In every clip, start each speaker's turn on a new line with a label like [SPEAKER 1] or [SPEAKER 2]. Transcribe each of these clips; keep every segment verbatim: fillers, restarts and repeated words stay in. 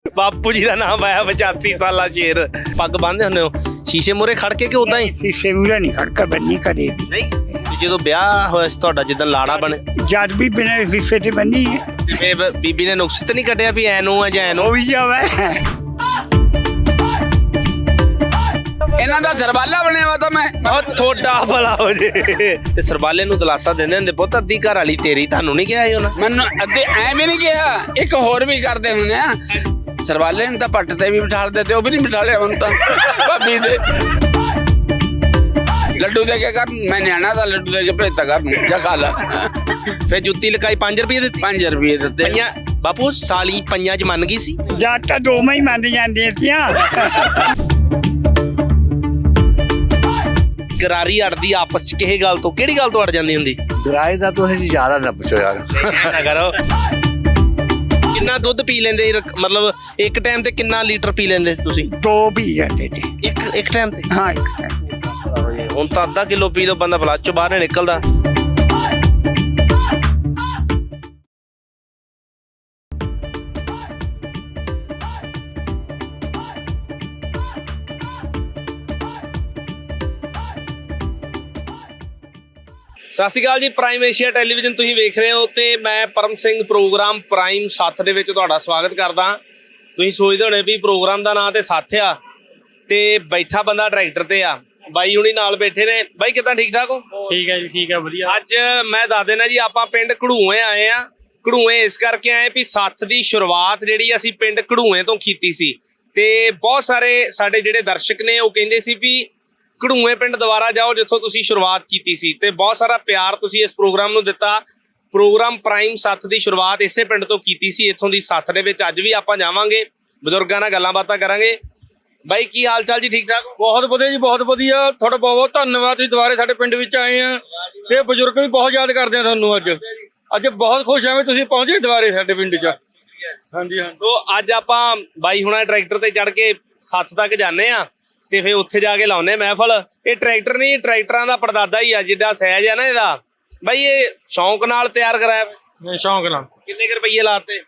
[SPEAKER 1] ਬਾਪੂ ਜੀ ਦਾ ਨਾਮ ਆਇਆ ਪਚਾਸੀ ਸਾਲਾ ਸ਼ੇਰ। ਪੱਗ ਬੰਨ੍ਹਦੇ ਹੁੰਦੇ ਹੋ ਸ਼ੀਸ਼ੇ ਮੂਹਰੇ ਖੜ ਕੇ ਕਿ ਉਦਾਂ ਹੀ?
[SPEAKER 2] ਸ਼ੀਸ਼ੇ ਮੂਹਰੇ ਨਹੀਂ ਖੜਕਾ ਬੰਨੀ ਕਦੇ ਵੀ।
[SPEAKER 1] ਨਹੀਂ ਜਦੋਂ ਵਿਆਹ ਹੋਇਆ ਸੀ ਤੁਹਾਡਾ, ਜਿੱਦਾਂ ਲਾੜਾ ਬਣੇ,
[SPEAKER 2] ਜਦ ਵੀ ਬਿਨਾਂ ਸ਼ੀਸ਼ੇ ਤੇ ਬੰਨੀ ਹੈ।
[SPEAKER 1] ਤੇ ਬ- ਬੀਬੀ ਨੇ ਨੁਕਸ ਤਾਂ ਨਹੀਂ ਕੱਢਿਆ ਵੀ ਐਨੂੰ ਆ ਜਾਂ ਐਨੂੰ?
[SPEAKER 2] ਉਹ ਵੀ ਜਾਵੇ
[SPEAKER 3] ਇਹਨਾਂ ਦਾ ਸਰਬਾਲਾ ਬਣਿਆ ਵਾ ਤਾਂ ਮੈਂ
[SPEAKER 1] ਉਹ ਥੋੜਾ ਭਲਾ ਹੋ ਜੇ। ਤੇ ਸਰਬਾਲੇ ਨੂੰ ਦਲਾਸਾ ਦਿੰਦੇ ਹੁੰਦੇ, ਪੁੱਤ ਅੱਧੀ ਘਰ ਵਾਲੀ ਤੇਰੀ, ਤੁਹਾਨੂੰ ਨਹੀਂ ਕਿਹਾ ਸੀ ਉਹਨਾਂ?
[SPEAKER 3] ਮੈਨੂੰ ਅੱਧੇ ਐ ਵੀ ਨਹੀਂ ਕਿਹਾ। ਇੱਕ ਹੋਰ ਵੀ ਕਰਦੇ ਹੁੰਦੇ ਆ, ਸਰਬਾਲੇ ਨੂੰ ਤਾਂ ਪੱਟ ਤੇ ਵੀ ਬਿਠਾ ਦਿੰਦੇ, ਉਹ ਵੀ ਨਹੀਂ ਬਿਠਾ ਲਿਆ ਹੁਣ ਤਾਂ ਭਾਬੀ ਦੇ ਲੱਡੂ ਦੇ ਕੇ ਕਰ। ਮੈਂ ਨਿਆਣਾ ਦਾ ਲੱਡੂ ਦੇ ਕੇ ਭੇਜਤਾ ਕਰ ਨੂੰ ਜਾ ਖਾ ਲਾ।
[SPEAKER 1] ਫਿਰ ਜੁੱਤੀ ਲਕਾਈ ਪੰਜ ਰੁਪਏ ਦਿੱਤੀ?
[SPEAKER 3] ਪੰਜ ਰੁਪਏ ਦਿੱਤੇ।
[SPEAKER 1] ਪੰਜਾਂ ਬਾਪੂ ਸਾਲੀ ਪੰਜਾਂ ਚ ਮੰਨ ਗਈ ਸੀ?
[SPEAKER 2] ਜਦ ਤਾਂ ਦੋਵੇਂ ਹੀ ਮੰਨ ਜਾਂਦੀਆਂ ਸੀਆਂ।
[SPEAKER 1] ਗਰਾਰੀ ਅੜਦੀ ਆਪਸ ਚ ਕਿਸੇ ਗੱਲ ਤੋਂ? ਕਿਹੜੀ ਗੱਲ ਤੋਂ ਅੜ ਜਾਂਦੀ ਹੁੰਦੀ?
[SPEAKER 4] ਗਰਾਏ ਦਾ ਤੁਸੀਂ ਜ਼ਿਆਦਾ ਨਾ ਪੁੱਛੋ ਯਾਰ।
[SPEAKER 1] ਨਾ ਕਰੋ। ਕਿੰਨਾ ਦੁੱਧ ਪੀ ਲੈਂਦੇ ਸੀ? ਰਕ- ਮਤਲਬ ਇੱਕ ਟਾਈਮ ਤੇ ਕਿੰਨਾ ਲੀਟਰ ਪੀ ਲੈਂਦੇ ਸੀ ਤੁਸੀਂ?
[SPEAKER 2] ਦੋ ਵੀ ਜਾਂਦੇ ਤੇ।
[SPEAKER 1] ਇੱਕ ਇੱਕ ਟਾਈਮ ਤੇ?
[SPEAKER 2] ਹਾਂ ਇੱਕ time।
[SPEAKER 1] ਹੁਣ ਤਾਂ ਅੱਧਾ ਕਿਲੋ ਪੀ ਲਓ, ਬੰਦਾ ਫਲੱਸ਼ ਚੋਂ ਬਾਹਰ ਨਹੀਂ ਨਿਕਲਦਾ। ਸਤਿ ਸ਼੍ਰੀ ਅਕਾਲ ਜੀ, ਪ੍ਰਾਈਮ ਏਸ਼ੀਆ ਟੈਲੀਵਿਜ਼ਨ ਤੁਸੀਂ ਵੇਖ ਰਹੇ ਹੋ ਤੇ ਮੈਂ ਪਰਮ ਸਿੰਘ ਪ੍ਰੋਗਰਾਮ ਪ੍ਰਾਈਮ ਸੱਥ ਦੇ ਵਿੱਚ ਤੁਹਾਡਾ ਸਵਾਗਤ ਕਰਦਾ। ਤੁਸੀਂ ਸੋਚਦੇ ਹੋਣੇ ਵੀ ਪ੍ਰੋਗਰਾਮ ਦਾ ਨਾਂ ਤੇ ਸੱਥ ਆ ਤੇ ਬੈਠਾ ਬੰਦਾ ਟਰੈਕਟਰ ਤੇ ਆ। ਬਾਈ ਹੁਣੀ ਨਾਲ ਬੈਠੇ ਨੇ। ਬਾਈ ਕਿੱਦਾਂ, ਠੀਕ ਠਾਕ ਹੋ?
[SPEAKER 5] ਠੀਕ ਹੈ ਜੀ, ਠੀਕ ਹੈ, ਵਧੀਆ।
[SPEAKER 1] ਅੱਜ ਮੈਂ ਦੱਸ ਦੇਣਾ ਜੀ, ਆਪਾਂ ਪਿੰਡ ਘੜੂਏ ਆਏ ਆ। ਘੜੂਏ ਇਸ ਕਰਕੇ ਆਏ ਵੀ ਸੱਥ ਦੀ ਸ਼ੁਰੂਆਤ ਜਿਹੜੀ ਅਸੀਂ ਪਿੰਡ ਘੜੂਏ ਤੋਂ ਕੀਤੀ ਸੀ ਤੇ ਬਹੁਤ ਸਾਰੇ ਸਾਡੇ ਜਿਹੜੇ ਦਰਸ਼ਕ ਨੇ ਉਹ ਕਹਿੰਦੇ ਸੀ ਵੀ ਘੜੂਏ ਪਿੰਡ ਦੁਬਾਰਾ ਜਾਓ ਜਿੱਥੋਂ ਤੁਸੀਂ ਸ਼ੁਰੂਆਤ ਕੀਤੀ ਸੀ, ਤੇ ਬਹੁਤ ਸਾਰਾ ਪਿਆਰ ਤੁਸੀਂ ਇਸ ਪ੍ਰੋਗਰਾਮ ਨੂੰ ਦਿੱਤਾ। ਪ੍ਰੋਗਰਾਮ ਪ੍ਰਾਈਮ ਸੱਥ ਦੀ ਸ਼ੁਰੂਆਤ ਇਸੇ ਪਿੰਡ ਤੋਂ ਕੀਤੀ ਸੀ, ਇੱਥੋਂ ਦੀ ਸੱਥ ਦੇ ਵਿੱਚ ਅੱਜ ਵੀ ਆਪਾਂ ਜਾਵਾਂਗੇ, ਬਜ਼ੁਰਗਾਂ ਨਾਲ ਗੱਲਾਂ ਬਾਤਾਂ ਕਰਾਂਗੇ। ਬਾਈ ਕੀ ਹਾਲ ਚਾਲ ਜੀ, ਠੀਕ ਠਾਕ?
[SPEAKER 5] ਬਹੁਤ ਵਧੀਆ ਜੀ, ਬਹੁਤ ਵਧੀਆ। ਤੁਹਾਡਾ ਬਹੁਤ ਬਹੁਤ ਧੰਨਵਾਦ, ਤੁਸੀਂ ਦੁਬਾਰੇ ਸਾਡੇ ਪਿੰਡ ਵਿੱਚ ਆਏ ਆ ਤੇ ਬਜ਼ੁਰਗ ਵੀ ਬਹੁਤ ਯਾਦ ਕਰਦੇ ਆ ਤੁਹਾਨੂੰ। ਅੱਜ ਅੱਜ ਬਹੁਤ ਖੁਸ਼ ਹਾਂ ਵੀ ਤੁਸੀਂ ਪਹੁੰਚੇ ਦੁਬਾਰੇ ਸਾਡੇ ਪਿੰਡ 'ਚ। ਹਾਂਜੀ ਹਾਂ।
[SPEAKER 1] ਸੋ ਅੱਜ ਆਪਾਂ ਬਾਈ ਹੁਣਾਂ ਟਰੈਕਟਰ ਤੇ ਚੜ ਕੇ ਸੱਥ ਤੱਕ ਜਾਂਦੇ ਆ ਤੇ ਫਿਰ ਉੱਥੇ ਜਾ ਕੇ ਲਾਉਨੇ ਮਹਿਫਲ। ਇਹ ਟਰੈਕਟਰ ਨਹੀਂ, ਟਰੈਕਟਰਾਂ ਦਾ ਪੜਦਾਦਾ ਹੀ ਆ, ਜਿੱਡਾ ਸਹਿਜ ਆ ਨਾ ਇਹਦਾ। ਬਾਈ ਇਹ ਸ਼ੌਂਕ ਨਾਲ ਤਿਆਰ ਕਰਾਇਆ?
[SPEAKER 5] ਮੈਂ ਸ਼ੌਂਕ ਨਾਲ।
[SPEAKER 1] ਕਿੰਨੇ ਕੁ ਰੁਪਈਏ ਲਾਤੇ?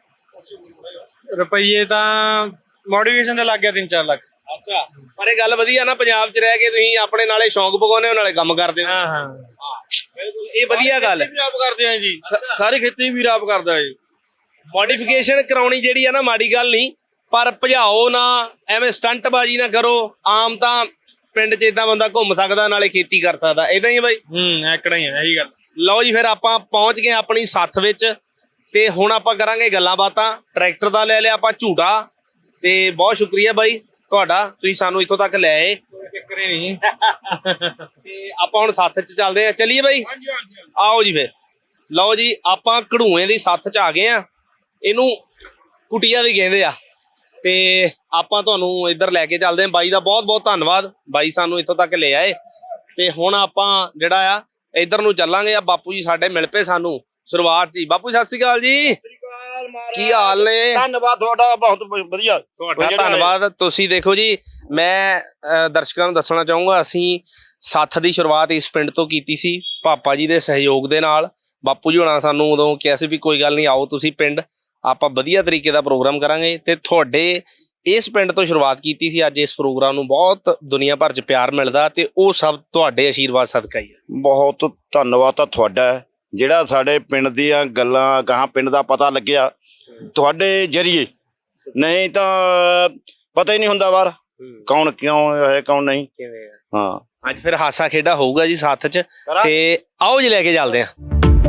[SPEAKER 5] ਰੁਪਈਏ ਤਾਂ ਮੋਡੀਫਿਕੇਸ਼ਨ ਤੇ ਲੱਗ ਗਿਆ ਤਿੰਨ ਚਾਰ ਲੱਖ।
[SPEAKER 1] ਅੱਛਾ, ਪਰ ਇਹ ਗੱਲ ਵਧੀਆ ਨਾ, ਪੰਜਾਬ 'ਚ ਰਹਿ ਕੇ ਤੁਸੀਂ ਆਪਣੇ ਨਾਲੇ ਸ਼ੌਂਕ ਪਗਾਉਨੇ ਹੋ ਨਾਲੇ ਕੰਮ ਕਰਦੇ ਹੋ।
[SPEAKER 5] ਹਾਂ ਹਾਂ,
[SPEAKER 1] ਬਿਲਕੁਲ, ਇਹ ਵਧੀਆ ਗੱਲ ਹੈ।
[SPEAKER 5] ਵੀ ਆਪ ਕਰਦੇ ਆ ਜੀ, ਸਾਰੀ ਖੇਤੀ ਵੀ ਆਪ ਕਰਦਾ ਹੈ।
[SPEAKER 1] ਮੋਡੀਫਿਕੇਸ਼ਨ ਕਰਾਉਣੀ ਜਿਹੜੀ ਆ ਨਾ ਮਾੜੀ ਗੱਲ ਨਹੀਂ, ਪਰ ਭਜਾਓ ਨਾ, ਐਵੇਂ ਸਟੰਟਬਾਜ਼ੀ ਨਾ ਕਰੋ। ਆਮ ਤਾਂ ਪਿੰਡ 'ਚ ਇਦਾਂ ਬੰਦਾ ਘੁੰਮ ਸਕਦਾ ਨਾਲੇ ਖੇਤੀ ਕਰ ਸਕਦਾ, ਇਦਾਂ ਹੀ ਬਾਈ।
[SPEAKER 5] ਹੂੰ, ਐਕੜਾ ਹੀ ਹੈ ਇਹੀ ਗੱਲ।
[SPEAKER 1] ਲਓ ਜੀ, ਫਿਰ ਆਪਾਂ ਪਹੁੰਚ ਗਏ ਆਪਣੀ ਸੱਥ ਵਿੱਚ ਤੇ ਹੁਣ ਆਪਾਂ ਕਰਾਂਗੇ ਗੱਲਾਂ ਬਾਤਾਂ। ਟਰੈਕਟਰ ਦਾ ਲੈ ਲਿਆ ਆਪਾਂ ਝੂਟਾ ਤੇ ਬਹੁਤ ਸ਼ੁਕਰੀਆ ਬਾਈ ਤੁਹਾਡਾ, ਤੁਸੀਂ ਸਾਨੂੰ ਇੱਥੋਂ ਤੱਕ ਲੈ ਆਏ।
[SPEAKER 5] ਚੱਕਰੇ ਨਹੀਂ।
[SPEAKER 1] ਤੇ ਆਪਾਂ ਹੁਣ ਸੱਥ 'ਚ ਚੱਲਦੇ ਆ। ਚੱਲੀਏ ਬਾਈ, ਆਓ ਜੀ ਫਿਰ। ਲਓ ਜੀ, ਆਪਾਂ ਘੜੂਏ ਦੀ ਸੱਥ 'ਚ ਆ ਗਏ ਆ। ਇਹਨੂੰ ਕੁਟੀਆ ਵੀ ਕਹਿੰਦੇ ਆ ਤੇ ਆਪਾਂ ਤੁਹਾਨੂੰ ਇੱਧਰ ਲੈ ਕੇ ਚੱਲਦੇ ਆ। ਬਾਈ ਦਾ ਬਹੁਤ ਬਹੁਤ ਧੰਨਵਾਦ, ਬਾਈ ਸਾਨੂੰ ਇੱਥੋਂ ਤੱਕ ਲੈ ਆਏ। ਤੇ ਹੁਣ ਆਪਾਂ ਜਿਹੜਾ ਆ ਇੱਧਰ ਨੂੰ ਚੱਲਾਂਗੇ। ਆ ਬਾਪੂ ਜੀ ਸਾਡੇ ਮਿਲ ਪਏ ਸਾਨੂੰ ਸ਼ੁਰੂਆਤ 'ਚ ਹੀ। ਬਾਪੂ ਸਤਿ ਸ਼੍ਰੀ ਅਕਾਲ ਜੀ, ਕੀ ਹਾਲ ਨੇ?
[SPEAKER 4] ਧੰਨਵਾਦ ਤੁਹਾਡਾ, ਬਹੁਤ ਵਧੀਆ
[SPEAKER 1] ਤੁਹਾਡਾ ਧੰਨਵਾਦ। ਤੁਸੀਂ ਦੇਖੋ ਜੀ, ਮੈਂ ਅਹ, ਦਰਸ਼ਕਾਂ ਨੂੰ ਦੱਸਣਾ ਚਾਹੂੰਗਾ, ਅਸੀਂ ਸੱਥ ਦੀ ਸ਼ੁਰੂਆਤ ਇਸ ਪਿੰਡ ਤੋਂ ਕੀਤੀ ਸੀ ਪਾਪਾ ਜੀ ਦੇ ਸਹਿਯੋਗ ਦੇ ਨਾਲ। ਬਾਪੂ ਜੀ ਹੋਣਾ ਸਾਨੂੰ ਉਦੋਂ ਕਿਹਾ ਸੀ ਵੀ ਕੋਈ ਗੱਲ ਨਹੀਂ, ਆਓ ਤੁਸੀਂ ਪਿੰਡ, ਆਪਾਂ ਵਧੀਆ ਤਰੀਕੇ ਦਾ ਪ੍ਰੋਗਰਾਮ ਕਰਾਂਗੇ। ਤੇ ਤੁਹਾਡੇ ਇਸ ਪਿੰਡ ਤੋਂ ਸ਼ੁਰੂਆਤ ਕੀਤੀ ਸੀ। ਅੱਜ ਇਸ ਪ੍ਰੋਗਰਾਮ ਨੂੰ ਬਹੁਤ ਦੁਨੀਆ ਭਰ 'ਚ ਪਿਆਰ ਮਿਲਦਾ ਤੇ ਉਹ ਸਭ ਤੁਹਾਡੇ ਆਸ਼ੀਰਵਾਦ ਸਦਕਾ ਹੀ ਹੈ।
[SPEAKER 4] ਬਹੁਤ ਧੰਨਵਾਦ ਤਾਂ ਤੁਹਾਡਾ, ਜਿਹੜਾ ਸਾਡੇ ਪਿੰਡ ਦੀਆਂ ਗੱਲਾਂ ਗਾਹਾਂ ਪਿੰਡ ਦਾ ਪਤਾ ਲੱਗਿਆ ਤੁਹਾਡੇ ਜਰੀਏ। ਨਹੀਂ ਤਾਂ ਪਤਾ ਹੀ ਨਹੀਂ ਹੁੰਦਾ ਬਾਹਰ ਕੌਣ ਕਿਉਂ ਹੈ ਕੌਣ ਨਹੀਂ। ਹਾਂ,
[SPEAKER 1] ਅੱਜ ਫਿਰ ਹਾਸਾ ਖੇਡਾ ਹੋਊਗਾ ਜੀ ਸਾਥ 'ਚ, ਤੇ ਆਓ ਜੀ ਲੈ ਕੇ ਚੱਲਦੇ ਹਾਂ।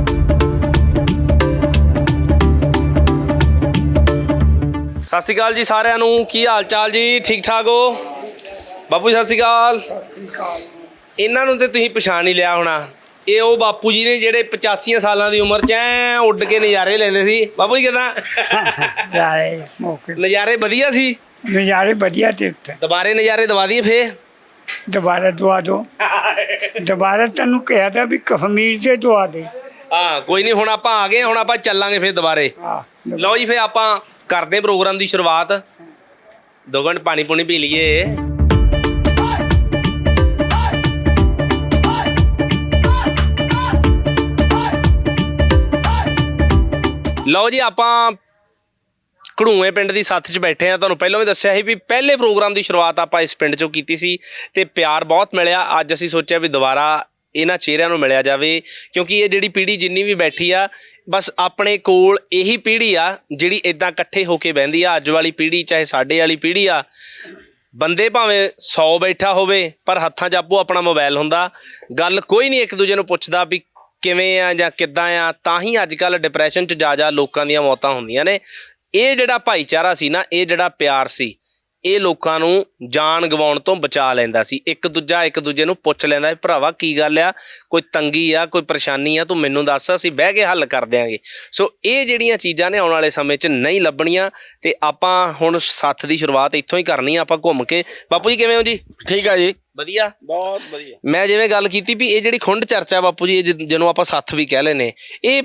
[SPEAKER 1] ਸਤਿ ਸ਼੍ਰੀ ਅਕਾਲ ਜੀ ਸਾਰਿਆਂ ਨੂੰ, ਕੀ ਹਾਲ ਚਾਲ ਜੀ, ਠੀਕ ਠਾਕ ਹੋ? ਬਾਪੂ ਸਤਿ ਸ਼੍ਰੀ ਅਕਾਲ। ਇਹਨਾਂ ਨੂੰ ਤੇ ਤੁਸੀਂ ਪਛਾਣ ਹੀ ਲਿਆ ਹੋਣਾ, ਇਹ ਉਹ ਬਾਪੂ ਜੀ ਨੇ ਜਿਹੜੇ ਪਚਾਸੀਆਂ ਸਾਲਾਂ ਦੀ ਉਮਰ 'ਚ ਐ ਉੱਡ ਕੇ ਨਜ਼ਾਰੇ ਲੈਂਦੇ ਸੀ। ਬਾਪੂ ਜੀ ਕਿਦਾਂ
[SPEAKER 2] ਜਾਏ ਮੌਕੇ
[SPEAKER 1] ਨਜ਼ਾਰੇ? ਵਧੀਆ ਸੀ
[SPEAKER 2] ਨਜ਼ਾਰੇ, ਵਧੀਆ ਤੇ ਉੱਤੇ
[SPEAKER 1] ਦੁਬਾਰੇ ਨਜ਼ਾਰੇ ਦਵਾ ਦਈਏ ਫੇਰ?
[SPEAKER 2] ਦੁਬਾਰਾ ਦਵਾ ਦੋ। ਦੁਬਾਰਾ ਤੈਨੂੰ ਕਿਹਾ ਤਾਂ ਵੀ ਕਸ਼ਮੀਰ ਤੇ ਦਵਾ ਦੇ।
[SPEAKER 1] ਹਾਂ ਕੋਈ ਨਹੀਂ, ਹੁਣ ਆਪਾਂ ਆ ਗਏ, ਹੁਣ ਆਪਾਂ ਚੱਲਾਂਗੇ ਫਿਰ ਦੁਬਾਰੇ।
[SPEAKER 2] ਹਾਂ,
[SPEAKER 1] ਲਓ ਜੀ, ਫਿਰ ਆਪਾਂ ਕਰਦੇ ਪ੍ਰੋਗਰਾਮ ਦੀ ਸ਼ੁਰੂਆਤ। ਦੋ ਘੰਟੇ ਪਾਣੀ ਪੂਣੀ ਪੀ ਲਈਏ। ਲਓ ਜੀ, ਆਪਾਂ ਘੜੂਏ ਪਿੰਡ ਦੀ ਸੱਥ 'ਚ ਬੈਠੇ ਆ। ਤੁਹਾਨੂੰ ਪਹਿਲਾਂ ਵੀ ਦੱਸਿਆ ਸੀ ਵੀ ਪਹਿਲੇ ਪ੍ਰੋਗਰਾਮ ਦੀ ਸ਼ੁਰੂਆਤ ਆਪਾਂ ਇਸ ਪਿੰਡ 'ਚੋਂ ਕੀਤੀ ਸੀ ਤੇ ਪਿਆਰ ਬਹੁਤ ਮਿਲਿਆ। ਅੱਜ ਅਸੀਂ ਸੋਚਿਆ ਵੀ ਦੁਬਾਰਾ ਇਹਨਾਂ ਚਿਹਰਿਆਂ ਨੂੰ ਮਿਲਿਆ ਜਾਵੇ, ਕਿਉਂਕਿ ਇਹ ਜਿਹੜੀ ਪੀੜ੍ਹੀ ਜਿੰਨੀ ਵੀ ਬੈਠੀ ਆ, ਬਸ ਆਪਣੇ ਕੋਲ ਇਹੀ ਪੀੜ੍ਹੀ ਆ ਜਿਹੜੀ ਇਦਾਂ ਇਕੱਠੇ ਹੋ ਕੇ ਬਹਿੰਦੀ ਆ। ਅੱਜ ਵਾਲੀ ਪੀੜ੍ਹੀ ਚਾਹੇ ਸਾਡੇ ਵਾਲੀ ਪੀੜ੍ਹੀ ਆ, ਬੰਦੇ ਭਾਵੇਂ ਸੌ ਬੈਠਾ ਹੋਵੇ ਪਰ ਹੱਥਾਂ 'ਚ ਆਪੋ ਆਪਣਾ ਮੋਬਾਈਲ ਹੁੰਦਾ। ਗੱਲ ਕੋਈ ਨਹੀਂ ਇੱਕ ਦੂਜੇ ਨੂੰ ਪੁੱਛਦਾ ਵੀ ਕਿਵੇਂ ਆ ਜਾਂ ਕਿੱਦਾਂ ਆ। ਤਾਂ ਹੀ ਅੱਜ ਕੱਲ੍ਹ ਡਿਪਰੈਸ਼ਨ 'ਚ ਜਾ ਜਾ ਲੋਕਾਂ ਦੀਆਂ ਮੌਤਾਂ ਹੁੰਦੀਆਂ ਨੇ। ਇਹ ਜਿਹੜਾ ਭਾਈਚਾਰਾ ਸੀ ਨਾ, ਇਹ ਜਿਹੜਾ ਪਿਆਰ ਸੀ, ਇਹ ਲੋਕਾਂ ਨੂੰ ਜਾਨ ਗਵਾਉਣ ਤੋਂ ਬਚਾ ਲੈਂਦਾ ਸੀ। ਇੱਕ ਦੂਜਾ ਇੱਕ ਦੂਜੇ ਨੂੰ ਪੁੱਛ ਲੈਂਦਾ, ਭਰਾਵਾ ਕੀ ਗੱਲ ਆ, ਕੋਈ ਤੰਗੀ ਆ, ਕੋਈ ਪਰੇਸ਼ਾਨੀ ਆ, ਤੂੰ ਮੈਨੂੰ ਦੱਸ, ਅਸੀਂ ਬਹਿ ਕੇ ਹੱਲ ਕਰ ਦਿਆਂਗੇ। ਸੋ ਇਹ ਜਿਹੜੀਆਂ ਚੀਜ਼ਾਂ ਨੇ ਆਉਣ ਵਾਲੇ ਸਮੇਂ 'ਚ ਨਹੀਂ ਲੱਭਣੀਆਂ ਤੇ ਆਪਾਂ ਹੁਣ ਸੱਥ ਦੀ ਸ਼ੁਰੂਆਤ ਇੱਥੋਂ ਹੀ ਕਰਨੀ ਆ। ਆਪਾਂ ਘੁੰਮ ਕੇ, ਬਾਪੂ ਜੀ ਕਿਵੇਂ ਹੋ ਜੀ?
[SPEAKER 3] ਠੀਕ ਆ ਜੀ,
[SPEAKER 1] ਵਧੀਆ,
[SPEAKER 3] ਬਹੁਤ ਵਧੀਆ।
[SPEAKER 1] ਮੈਂ ਜਿਵੇਂ ਗੱਲ ਕੀਤੀ ਵੀ ਇਹ ਜਿਹੜੀ ਖੁੰਡ ਚਰਚਾ ਬਾਪੂ ਜੀ, ਇਹ ਜਿਹਨੂੰ ਆਪਾਂ ਸੱਥ ਵੀ ਕਹਿ ਲੈਨੇ, ਇਹ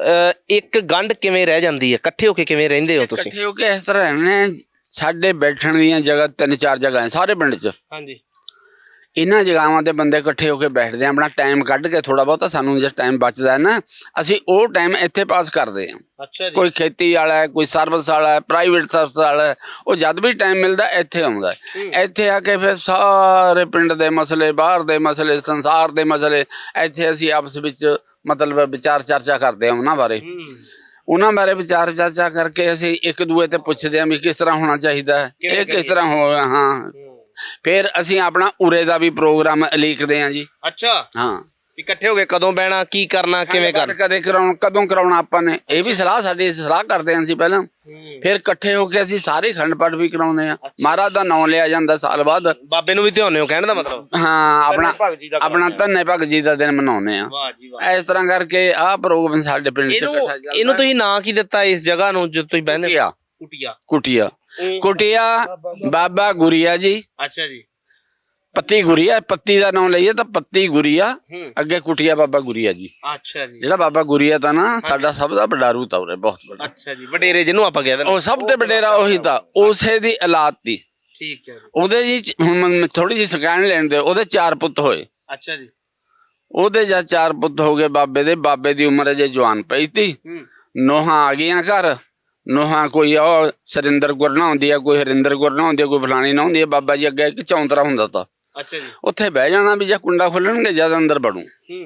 [SPEAKER 1] ਇੱਕ ਗੰਢ ਕਿਵੇਂ ਰਹਿ ਜਾਂਦੀ ਹੈ? ਇਕੱਠੇ ਹੋ ਕੇ ਕਿਵੇਂ ਰਹਿੰਦੇ ਹੋ ਤੁਸੀਂ?
[SPEAKER 3] ਇਕੱਠੇ ਹੋ ਕੇ ਇਸ ਤਰ੍ਹਾਂ ਰਹਿੰਦੇ। ਸਾਡੇ ਬੈਠਣ ਦੀਆਂ ਜਗ੍ਹਾ ਤਿੰਨ ਚਾਰ ਜਗ੍ਹਾ ਹੈ ਸਾਰੇ ਪਿੰਡ 'ਚ।
[SPEAKER 1] ਹਾਂਜੀ,
[SPEAKER 3] ਇਹਨਾਂ ਜਗ੍ਹਾਵਾਂ ਤੇ ਬੰਦੇ ਇਕੱਠੇ ਹੋ ਕੇ ਬੈਠਦੇ ਆ। ਆਪਣਾ ਟਾਈਮ ਕੱਢ ਕੇ, ਥੋੜਾ ਬਹੁਤਾ ਸਾਨੂੰ ਜਿਸ ਟਾਈਮ ਬਚਦਾ ਹੈ ਨਾ, ਅਸੀਂ ਉਹ ਟਾਈਮ ਇੱਥੇ ਪਾਸ ਕਰਦੇ ਹਾਂ।
[SPEAKER 1] ਅੱਛਾ ਜੀ।
[SPEAKER 3] ਕੋਈ ਖੇਤੀ ਵਾਲਾ ਹੈ, ਕੋਈ ਸਰਵਿਸ ਵਾਲਾ ਹੈ, ਪ੍ਰਾਈਵੇਟ ਸਰਵਿਸ ਵਾਲਾ ਹੈ, ਉਹ ਜਦ ਵੀ ਟਾਈਮ ਮਿਲਦਾ ਇੱਥੇ ਆਉਂਦਾ ਹੈ। ਇੱਥੇ ਆ ਕੇ ਫਿਰ ਸਾਰੇ ਪਿੰਡ ਦੇ ਮਸਲੇ, ਬਾਹਰ ਦੇ ਮਸਲੇ, ਸੰਸਾਰ ਦੇ ਮਸਲੇ, ਇੱਥੇ ਅਸੀਂ ਆਪਸ ਵਿੱਚ ਮਤਲਬ ਵਿਚਾਰ ਚਰਚਾ ਕਰਦੇ ਹਾਂ ਉਹਨਾਂ ਬਾਰੇ। ਉਹਨਾਂ ਬਾਰੇ ਵਿਚਾਰ ਚਰਚਾ ਕਰਕੇ ਅਸੀਂ ਇੱਕ ਦੂਏ ਤੇ ਪੁੱਛਦੇ ਹਾਂ ਵੀ ਕਿਸ ਤਰ੍ਹਾਂ ਹੋਣਾ ਚਾਹੀਦਾ ਹੈ, ਇਹ ਕਿਸ ਤਰ੍ਹਾਂ ਹੋ। ਹਾਂ, ਫਿਰ ਅਸੀਂ ਆਪਣਾ ਉਰੇ ਦਾ ਵੀ ਪ੍ਰੋਗਰਾਮ ਉਲੀਕਦੇ ਹਾਂ ਜੀ।
[SPEAKER 1] ਅੱਛਾ,
[SPEAKER 3] ਹਾਂ,
[SPEAKER 1] ਇਕੱਠੇ ਹੋ ਕੇ ਕਦੋਂ ਬਹਿਣਾ, ਕੀ ਕਰਨਾ, ਕਿਵੇਂ ਕਰਨਾ,
[SPEAKER 3] ਕਦੇ ਕਰਾਉਣ, ਕਦੋਂ ਕਰਾਉਣਾ ਆਪਾਂ ਨੇ, ਇਹ ਵੀ ਸਲਾਹ ਸਾਡੀ ਸਲਾਹ ਕਰਦੇ ਹਾਂ ਅਸੀਂ ਪਹਿਲਾਂ। ਫਿਰ ਇਕੱਠੇ ਹੋ ਕੇ ਅਸੀਂ ਸਾਰੇ ਅਖੰਡ ਪਾਠ ਵੀ ਕਰਾਉਂਦੇ ਆ। ਮਹਾਰਾਜ ਦਾ ਨਾਮ ਲਿਆ ਜਾਂਦਾ ਸਾਲ ਬਾਅਦ।
[SPEAKER 1] ਬਾਬੇ ਨੂੰ ਵੀ ਧਿਆਉਂਦੇ ਹੋ ਕਹਿਣ ਦਾ ਮਤਲਬ?
[SPEAKER 3] ਹਾਂ, ਆਪਣਾ ਆਪਣਾ ਧੰਨੇ ਭਗਤ ਜੀ ਦਾ ਦਿਨ ਮਨਾਉਂਦੇ ਆ।
[SPEAKER 1] ਵਾਹ ਜੀ ਵਾਹ।
[SPEAKER 3] ਇਸ ਤਰ੍ਹਾਂ ਕਰਕੇ ਆਹ ਪ੍ਰੋਗਰਾਮ ਸਾਡੇ ਪਿੰਡ ਚ
[SPEAKER 1] ਇਹਨੂੰ ਇਹਨੂੰ ਤੁਸੀਂ ਨਾਂ ਕੀ ਦਿੱਤਾ ਇਸ ਜਗ੍ਹਾ ਨੂੰ ਜਦੋਂ ਤੁਸੀਂ ਬਹਿੰਦੇ?
[SPEAKER 3] ਕੁਟੀਆ।
[SPEAKER 1] ਕੁਟੀਆ।
[SPEAKER 3] ਕੁਟੀਆ ਕੁਟੀਆ ਬਾਬਾ ਗੁਰੀਆ ਜੀ।
[SPEAKER 1] ਅੱਛਾ ਜੀ।
[SPEAKER 3] ਪੱਤੀ ਗੁਰੀਆ, ਪੱਤੀ ਦਾ ਨਾਮ ਲਈਏ ਤਾਂ ਪੱਤੀ ਗੁਰੀਆ, ਅੱਗੇ ਕੁਟੀਆ ਬਾਬਾ ਗੁਰੀਆ ਜੀ।
[SPEAKER 1] ਅੱਛਾ ਜੀ।
[SPEAKER 3] ਜਿਹੜਾ ਬਾਬਾ ਗੁਰੀਆ ਤਾਂ ਨਾ ਸਾਡਾ ਸਭ ਦਾ ਵਡਾਰੂ ਤਾ ਉਰੇ, ਬਹੁਤ ਵੱਡਾ।
[SPEAKER 1] ਅੱਛਾ ਜੀ, ਵਡੇਰੇ ਜਿਹਨੂੰ ਆਪਾਂ ਕਹਿੰਦੇ ਨੇ,
[SPEAKER 3] ਉਹ ਸਭ ਤੇ ਵਡੇਰਾ ਉਹੀ ਤਾਂ, ਉਸੇ ਦੀ ਔਲਾਦ ਤੀ।
[SPEAKER 1] ਠੀਕ ਹੈ ਜੀ।
[SPEAKER 3] ਉਹਦੇ ਜੀ ਹੁਣ ਥੋੜੀ ਜਿਹੀ ਸਕੈਨ ਲੈਣ ਦੇ, ਉਹਦੇ ਚਾਰ ਪੁੱਤ ਹੋਏ।
[SPEAKER 1] ਅੱਛਾ ਜੀ।
[SPEAKER 3] ਉਹਦੇ ਜਾਂ ਚਾਰ ਪੁੱਤ ਹੋ ਗਏ ਬਾਬੇ ਦੇ। ਬਾਬੇ ਦੀ ਉਮਰ ਅਜੇ ਜਵਾਨ ਪਈ ਤੀ। ਨੋਹਾਂ ਆ ਗਈਆਂ ਘਰ। ਨੋਹਾਂ ਕੋਈ ਉਹ ਸਰਿੰਦਰ ਗੁਰ ਨਾ ਹੁੰਦੀ ਆ, ਕੋਈ ਹਰਿੰਦਰ ਗੁਰ ਨਾ ਹੁੰਦੀ ਆ, ਕੋਈ ਫਲਾਣੀ ਨਾ ਹੁੰਦੀ ਆ। ਬਾਬਾ ਜੀ ਅੱਗੇ ਇੱਕ ਚੌਂਤਰਾ ਹੁੰਦਾ ਤਾ।
[SPEAKER 1] ਅੱਛਾ ਜੀ।
[SPEAKER 3] ਉੱਥੇ ਬਹਿ ਜਾਣਾ ਵੀ ਜੇ ਕੁੰਡਾ ਖੋਲਣਗੇ ਜਦ ਅੰਦਰ ਵੜੂ।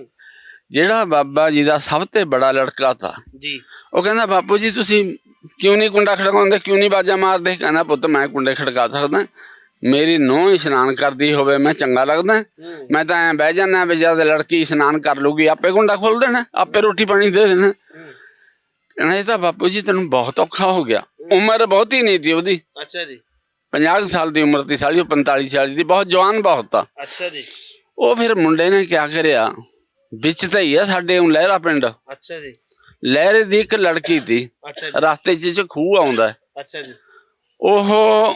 [SPEAKER 3] ਜਿਹੜਾ ਬਾਬਾ ਜੀ ਦਾ ਸਭ ਤੋਂ ਬੜਾ ਲੜਕਾ ਤਾ
[SPEAKER 1] ਜੀ,
[SPEAKER 3] ਉਹ ਕਹਿੰਦਾ ਬਾਪੂ ਜੀ ਤੁਸੀਂ ਕਿਉਂ ਨਹੀਂ ਕੁੰਡਾ ਖੜਕਾਉਂਦੇ, ਕਿਉਂ ਨਹੀਂ ਬਾਜਾ ਮਾਰਦੇ? ਕਹਿੰਦਾ ਪੁੱਤ ਮੈਂ ਕੁੰਡੇ ਖੜਕਾ ਸਕਦਾ, ਮੇਰੀ ਨੂੰਹ ਇਸ਼ਨਾਨ ਕਰਦੀ ਹੋਵੇ ਮੈਂ ਚੰਗਾ ਲੱਗਦਾ। ਮੈਂ ਤਾਂ ਐਂ ਬਹਿ ਜਾਣਾ ਵੀ ਜਦ ਲੜਕੀ ਇਸ਼ਨਾਨ ਕਰ ਲੂਗੀ ਆਪੇ ਕੁੰਡਾ ਖੋਲ ਦੇਣਾ, ਆਪੇ ਰੋਟੀ ਪਾਣੀ ਦੇ ਦੇਣਾ। ਕਹਿੰਦਾ ਇਹ ਤਾਂ ਬਾਪੂ ਜੀ ਤੈਨੂੰ ਬਹੁਤ ਔਖਾ ਹੋ ਗਿਆ। ਉਮਰ ਬਹੁਤੀ ਨਹੀਂ ਤੀ ਉਹਦੀ।
[SPEAKER 1] ਅੱਛਾ ਜੀ।
[SPEAKER 3] ਪੰਜਾਹ ਸਾਲ ਦੀ ਉਮਰ ਦੀ ਸਾਲੀ, ਉਹ ਪੰਤਾਲੀ ਸਾਲ ਦੀ, ਬਹੁਤ ਜਵਾਨ ਬਹੁਤ ਆ।
[SPEAKER 1] ਅੱਛਾ ਜੀ।
[SPEAKER 3] ਉਹ ਫਿਰ ਮੁੰਡੇ ਨੇ ਕਿਆ ਕਰਿਆ, ਵਿੱਚ ਤਾਂ ਹੀ ਆ ਸਾਡੇ ਉਹ ਲਹਿਰਾ ਪਿੰਡ।
[SPEAKER 1] ਅੱਛਾ ਜੀ।
[SPEAKER 3] ਲਹਿਰੇ ਦੀ ਇੱਕ ਲੜਕੀ ਤੀ, ਰਸਤੇ ਚ ਖੂਹ ਆਉਂਦਾ।
[SPEAKER 1] ਅੱਛਾ ਜੀ।
[SPEAKER 3] ਉਹ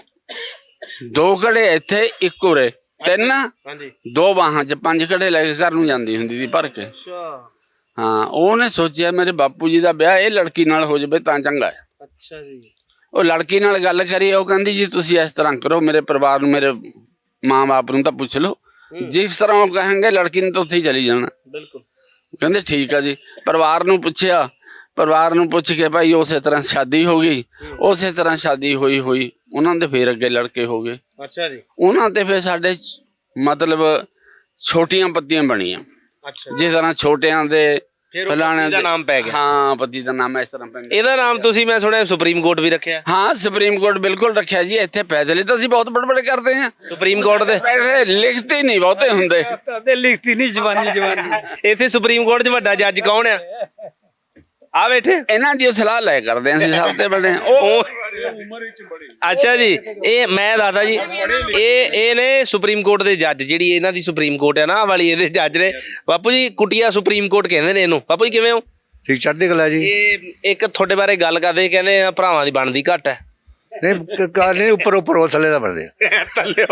[SPEAKER 3] ਦੋ ਘੜੇ ਇੱਥੇ, ਇੱਕ ਉਰੇ, ਤਿੰਨ
[SPEAKER 1] ਹਾਂਜੀ,
[SPEAKER 3] ਦੋ ਬਾਹਾਂ ਚ ਪੰਜ ਘੜੇ ਲੈ ਕੇ ਘਰ ਨੂੰ ਜਾਂਦੀ ਹੁੰਦੀ ਸੀ ਭਰ ਕੇ।
[SPEAKER 1] ਅੱਛਾ।
[SPEAKER 3] ਹਾਂ, ਉਹਨੇ ਸੋਚਿਆ ਮੇਰੇ ਬਾਪੂ ਜੀ ਦਾ ਵਿਆਹ ਇਹ ਲੜਕੀ ਨਾਲ ਹੋ ਜਾਵੇ ਤਾਂ ਚੰਗਾ ਹੈ।
[SPEAKER 1] ਅੱਛਾ ਜੀ।
[SPEAKER 3] ਉਹ ਲੜਕੀ ਨਾਲ ਗੱਲ ਕਰੀ, ਉਹ ਕਹਿੰਦੀ ਜੀ ਤੁਸੀਂ ਇਸ ਤਰ੍ਹਾਂ ਕਰੋ, ਮੇਰੇ ਪਰਿਵਾਰ ਨੂੰ, ਮੇਰੇ ਮਾਂ ਬਾਪ ਨੂੰ ਤਾਂ ਪੁੱਛ ਲਓ, ਜਿਸ ਤਰ੍ਹਾਂ ਉਹ ਕਹਾਂਗੇ ਲੜਕੀ ਨੇ ਤਾਂ ਉੱਥੇ ਹੀ ਚਲੀ ਜਾਣਾ।
[SPEAKER 1] ਬਿਲਕੁਲ।
[SPEAKER 3] ਕਹਿੰਦੇ ਠੀਕ ਆ ਜੀ। ਪਰਿਵਾਰ ਨੂੰ ਪੁੱਛਿਆ, ਪਰਿਵਾਰ ਨੂੰ ਪੁੱਛ ਕੇ ਭਾਈ ਉਸੇ ਤਰ੍ਹਾਂ ਸ਼ਾਦੀ ਹੋ ਗਈ। ਉਸੇ ਤਰ੍ਹਾਂ ਸ਼ਾਦੀ ਹੋਈ ਹੋਈ ਉਹਨਾਂ ਦੇ ਫੇਰ ਅੱਗੇ ਲੜਕੇ ਹੋ ਗਏ।
[SPEAKER 1] ਅੱਛਾ ਜੀ।
[SPEAKER 3] ਉਹਨਾਂ ਤੇ ਫਿਰ ਸਾਡੇ ਮਤਲਬ ਛੋਟੀਆਂ ਪੱਤੀਆਂ ਬਣੀਆਂ।
[SPEAKER 1] ਅੱਛਾ।
[SPEAKER 3] ਜਿਸ ਤਰ੍ਹਾਂ ਛੋਟਿਆਂ ਦੇ ਫਲਾਣੇ
[SPEAKER 1] ਦਾ ਨਾਮ ਪੈ ਗਿਆ।
[SPEAKER 3] ਹਾਂ, ਪਤੀ ਦਾ ਨਾਮ ਇਸ ਤਰ੍ਹਾਂ ਪੈਂਦਾ।
[SPEAKER 1] ਇਹਦਾ ਨਾਮ ਤੁਸੀਂ ਮੈਂ ਸੁਣਿਆ ਸੁਪਰੀਮ ਕੋਰਟ ਵੀ ਰੱਖਿਆ।
[SPEAKER 3] ਹਾਂ, ਸੁਪਰੀਮ ਕੋਰਟ ਬਿਲਕੁਲ ਰੱਖਿਆ ਜੀ। ਇੱਥੇ ਫੈਸਲੇ ਤਾਂ ਅਸੀਂ ਬਹੁਤ ਬੜੇ ਬੜੇ ਕਰਦੇ ਹਾਂ।
[SPEAKER 1] ਸੁਪਰੀਮ ਕੋਰਟ ਦੇ
[SPEAKER 3] ਲਿਖਤੇ ਨਹੀਂ ਬਹੁਤੇ ਹੁੰਦੇ।
[SPEAKER 2] ਲਿਖਤੀ ਨਹੀਂ ਜਵਾਨੀ ਜਵਾਨੀ।
[SPEAKER 1] ਇੱਥੇ ਸੁਪਰੀਮ ਕੋਰਟ 'ਚ ਵੱਡਾ ਜੱਜ ਕੌਣ ਆ? ਆ ਬੈਠੇ।
[SPEAKER 3] ਇਹਨਾਂ ਦੀ ਸਲਾਹ ਲੈ ਕਰਦੇ ਹਾਂ ਅਸੀਂ ਸਭ ਤੋਂ ਵੱਡੇ। ਉਹ
[SPEAKER 1] ਅੱਛਾ ਜੀ। ਇਹ ਮੈਂ ਦੱਸਦਾ ਜੀ, ਇਹ ਇਹ ਨੇ ਸੁਪਰੀਮ ਕੋਰਟ ਦੇ ਜੱਜ। ਜਿਹੜੀ ਇਹਨਾਂ ਦੀ ਸੁਪਰੀਮ ਕੋਰਟ ਹੈ ਨਾ ਵਾਲੀ, ਇਹਦੇ ਜੱਜ ਨੇ ਬਾਪੂ ਜੀ। ਕੁਟੀਆ ਸੁਪਰੀਮ ਕੋਰਟ ਕਹਿੰਦੇ ਨੇ ਇਹਨੂੰ। ਬਾਪੂ ਜੀ ਕਿਵੇਂ ਹੋ?
[SPEAKER 6] ਠੀਕ, ਚੜ੍ਹਦੀ ਕਲਾ ਜੀ।
[SPEAKER 1] ਇਹ ਇੱਕ ਤੁਹਾਡੇ ਬਾਰੇ ਗੱਲ ਕਰਦੇ, ਕਹਿੰਦੇ ਭਰਾਵਾਂ ਦੀ ਬਣਦੀ ਘੱਟ ਹੈ।
[SPEAKER 6] ਨਹੀਂ ਕਾਰ ਨਹੀਂ ਉੱਪਰ ਉੱਪਰ ਉਹ ਥੱਲੇ ਦਾ ਬਣਦੇ ਆ।
[SPEAKER 1] ਥੱਲੇ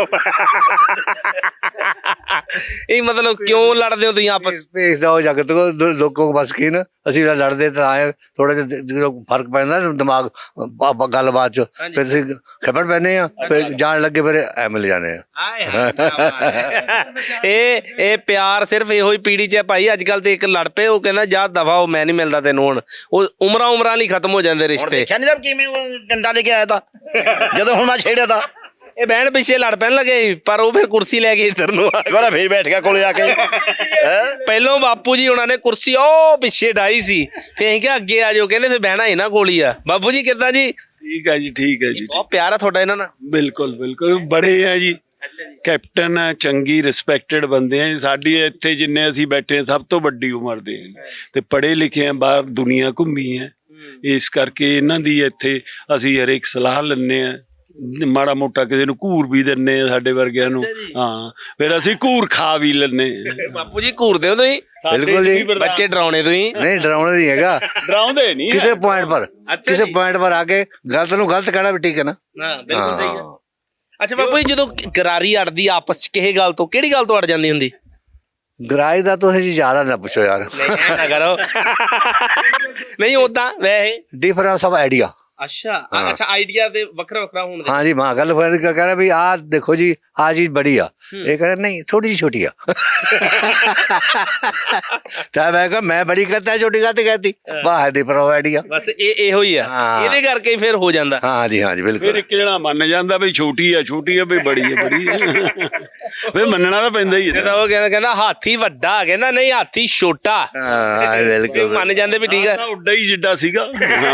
[SPEAKER 1] ਇਹ ਮਤਲਬ ਕਿਉਂ ਲੜਦੇ ਹੋ ਤੁਸੀਂ ਆਪਸ
[SPEAKER 6] ਭੇਜਦਾ ਉਹ ਜਗਤ ਕੋ ਲੋਕੋ ਕੋ ਬਸ ਕੀ ਨਾ ਅਸੀਂ ਲੜਦੇ ਤਾਂ ਆਏ ਥੋੜਾ ਜਿਹਾ ਜਦੋਂ ਫਰਕ ਪੈਂਦਾ ਨਾ ਦਿਮਾਗ ਬ- ਗੱਲਬਾਤ ਚ ਫਿਰ ਅਸੀਂ ਖਬਰ ਪੈਨੇ ਆ ਫਿਰ ਜਾਣ ਲੱਗੇ ਫਿਰ ਐ ਮਿਲ ਜਾਣੇ ਆ।
[SPEAKER 1] ਆਏ ਹਾਏ, ਕਿਆ ਬਾਤ ਹੈ। ਇਹ ਇਹ ਪਿਆਰ ਸਿਰਫ ਇਹੋ ਹੀ ਪੀੜੀ 'ਚ ਹੈ ਭਾਈ। ਅੱਜ ਕੱਲ ਤੇ ਇੱਕ ਲੜ ਪਏ ਉਹ ਕਹਿੰਦਾ ਜਾ ਦਫਾ ਉਹ ਮੈਂ ਨਹੀਂ ਮਿਲਦਾ ਤੈਨੂੰ ਹੁਣ ਉਹ ਉਮਰਾਂ ਉਮਰਾਂ ਲਈ ਖਤਮ ਹੋ ਜਾਂਦੇ
[SPEAKER 4] ਹੁਣ
[SPEAKER 1] ਰਿਸ਼ਤੇ।
[SPEAKER 4] ਦੇਖਿਆ ਨਹੀਂ ਤਾਂ ਕਿਵੇਂ ਉਹ ਡੰਡਾ ਲੈ ਕੇ ਆਇਆ ਤਾਂ ਜਦੋਂ ਹੁਣ ਮੈਂ ਛੇੜਿਆ ਤਾਂ
[SPEAKER 1] ਇਹ ਬਹਿਣ ਪਿੱਛੇ ਲੜ ਪੈਣ ਲੱਗੇ ਸੀ, ਪਰ ਉਹ ਫਿਰ ਕੁਰਸੀ ਲੈ ਕੇ ਇੱਧਰ ਨੂੰ ਆ ਗਏ।
[SPEAKER 4] ਦੁਬਾਰਾ ਫੇਰ ਬੈਠ ਗਿਆ ਕੋਲੇ ਆ ਕੇ ਹੈਂ?
[SPEAKER 1] ਪਹਿਲੋਂ ਬਾਪੂ ਜੀ ਉਹਨਾਂ ਨੇ ਕੁਰਸੀ ਉਹ ਪਿੱਛੇ ਡਾਈ ਸੀ, ਫਿਰ ਅਸੀਂ ਕਿਹਾ ਅੱਗੇ ਆ ਜਾਓ, ਕਹਿੰਦੇ ਫਿਰ ਬਹਿਣਾ ਇਹਨਾਂ ਕੋਲ ਹੀ ਆ। ਬਾਪੂ ਜੀ ਕਿੱਦਾਂ ਜੀ?
[SPEAKER 7] ਠੀਕ ਹੈ ਜੀ ਠੀਕ ਹੈ ਜੀ
[SPEAKER 1] ਬਹੁਤ ਪਿਆਰ ਆ ਤੁਹਾਡਾ ਇਹਨਾਂ ਨਾਲ।
[SPEAKER 7] ਬਿਲਕੁਲ ਬਿਲਕੁਲ ਬੜੇ ਆ ਜੀ ਕੈਪਟਨ ਆ ਚੰਗੀ ਰਿਸਪੈਕਟਡ ਬੰਦੇ ਆ ਜੀ। ਸਾਡੀ ਇੱਥੇ ਜਿੰਨੇ ਅਸੀਂ ਬੈਠੇ ਆ ਸਭ ਤੋਂ ਵੱਡੀ ਉਮਰ ਦੇ ਆ ਤੇ ਪੜ੍ਹੇ ਲਿਖੇ ਆ ਬਾਹਰ ਦੁਨੀਆ ਘੁੰਮੀ ਆ ਇਸ ਕਰਕੇ ਇਹਨਾਂ ਦੀ ਇੱਥੇ ਅਸੀਂ ਹਰੇਕ ਸਲਾਹ ਲੈਂਦੇ ਆ ਮਾੜਾ ਮੋਟਾ ਕਿਸੇ ਨੂੰ ਘੂਰ ਵੀ ਦਿੰਨੇ ਆ ਸਾਡੇ ਵਰਗਿਆਂ ਨੂੰ ਹਾਂ ਫਿਰ ਅਸੀਂ ਘੂਰ ਖਾ ਵੀ ਲੈਂਦੇ ਆ।
[SPEAKER 1] ਬਾਪੂ ਜੀ ਘੂਰਦੇ ਹੋ ਤੁਸੀਂ?
[SPEAKER 6] ਬਿਲਕੁਲ ਜੀ
[SPEAKER 1] ਬੱਚੇ ਡਰਾਉਣੇ ਤੁਸੀਂ?
[SPEAKER 6] ਨਹੀਂ ਡਰਾਉਣਾ ਨਹੀਂ ਹੈਗਾ
[SPEAKER 7] ਡਰਾਉਂਦੇ ਨਹੀਂ
[SPEAKER 6] ਕਿਸੇ ਪੁਆਇੰਟ ਪਰ
[SPEAKER 1] ਅੱਛਾ
[SPEAKER 6] ਕਿਸੇ
[SPEAKER 1] ਜੀ।
[SPEAKER 6] ਪੁਆਇੰਟ ਪਰ ਆ ਕੇ ਗਲਤ ਨੂੰ ਗਲਤ ਕਹਿਣਾ ਵੀ ਠੀਕ ਹੈ ਨਾ।
[SPEAKER 1] ਹਾਂ ਬਿਲਕੁਲ ਸਹੀ ਹੈ। ਅੱਛਾ ਬਾਪੂ ਜੀ ਜਦੋਂ ਗਰਾਰੀ ਅੜਦੀ ਆਪਸ ਚ ਕਿਸੇ ਗੱਲ ਤੋਂ ਕਿਹੜੀ ਗੱਲ ਤੋਂ ਅੜ ਜਾਂਦੀ ਹੁੰਦੀ?
[SPEAKER 6] ਗਰਾਈ ਦਾ ਤੁਸੀਂ ਜੀ ਜ਼ਿਆਦਾ ਨਾ ਪੁੱਛੋ ਯਾਰ।
[SPEAKER 1] ਨਹੀਂ ਐਂ ਨਾ ਕਰੋ। ਨਹੀਂ ਉਦਾਂ ਵੈਸੇ
[SPEAKER 6] ਡਿਫਰੈਂਸ ਆਫ ਆਈਡੀਆ।
[SPEAKER 1] ਅੱਛਾ ਅੱਛਾ ਆਈਡੀਆ ਦੇ ਵੱਖਰਾ ਵੱਖਰਾ ਹੋਣ ਦੇ।
[SPEAKER 6] हाँ जी माँ गल फिर क्या कह रहा भी आ देखो जी आ चीज बड़ी आ ये कह रहा नहीं थोड़ी जी छोटी आ तो मैं कहा मैं बड़ी कहता है छोटी कहती कहती वाह दी पर आइडिया
[SPEAKER 1] ਬਸ ਇਹ ਇਹੋ ਹੀ ਆ
[SPEAKER 6] ਹਾਂ।
[SPEAKER 1] ਇਹਦੇ ਕਰਕੇ ਹੀ ਫਿਰ ਹੋ ਜਾਂਦਾ।
[SPEAKER 6] हाँ जी हाँ जी
[SPEAKER 7] ਫਿਰ
[SPEAKER 6] बिल्कुल
[SPEAKER 7] ਇੱਕ ਜਣਾ ਮੰਨ ਜਾਂਦਾ ਵੀ ਛੋਟੀ ਆ ਛੋਟੀ ਆ ਵੀ ਬੜੀ ਆ ਬੜੀ ਆ ਫਿਰ ਮੰਨਣਾ ਤਾਂ ਪੈਂਦਾ ਹੀ
[SPEAKER 1] ਫਿਰ
[SPEAKER 7] ਹੈ।
[SPEAKER 1] ਉਹ ਕਹਿੰਦਾ ਕਹਿੰਦਾ ਹਾਥੀ ਵੱਡਾ ਕਹਿੰਦਾ ਨਹੀਂ ਹਾਥੀ ਛੋਟਾ।
[SPEAKER 6] हाँ बिल्कुल
[SPEAKER 1] ਮੰਨ ਜਾਂਦੇ ਵੀ ਠੀਕ ਆ
[SPEAKER 7] ਤਾਂ ਉੱਡਾ ਹੀ ਜਿੱਡਾ ਸੀਗਾ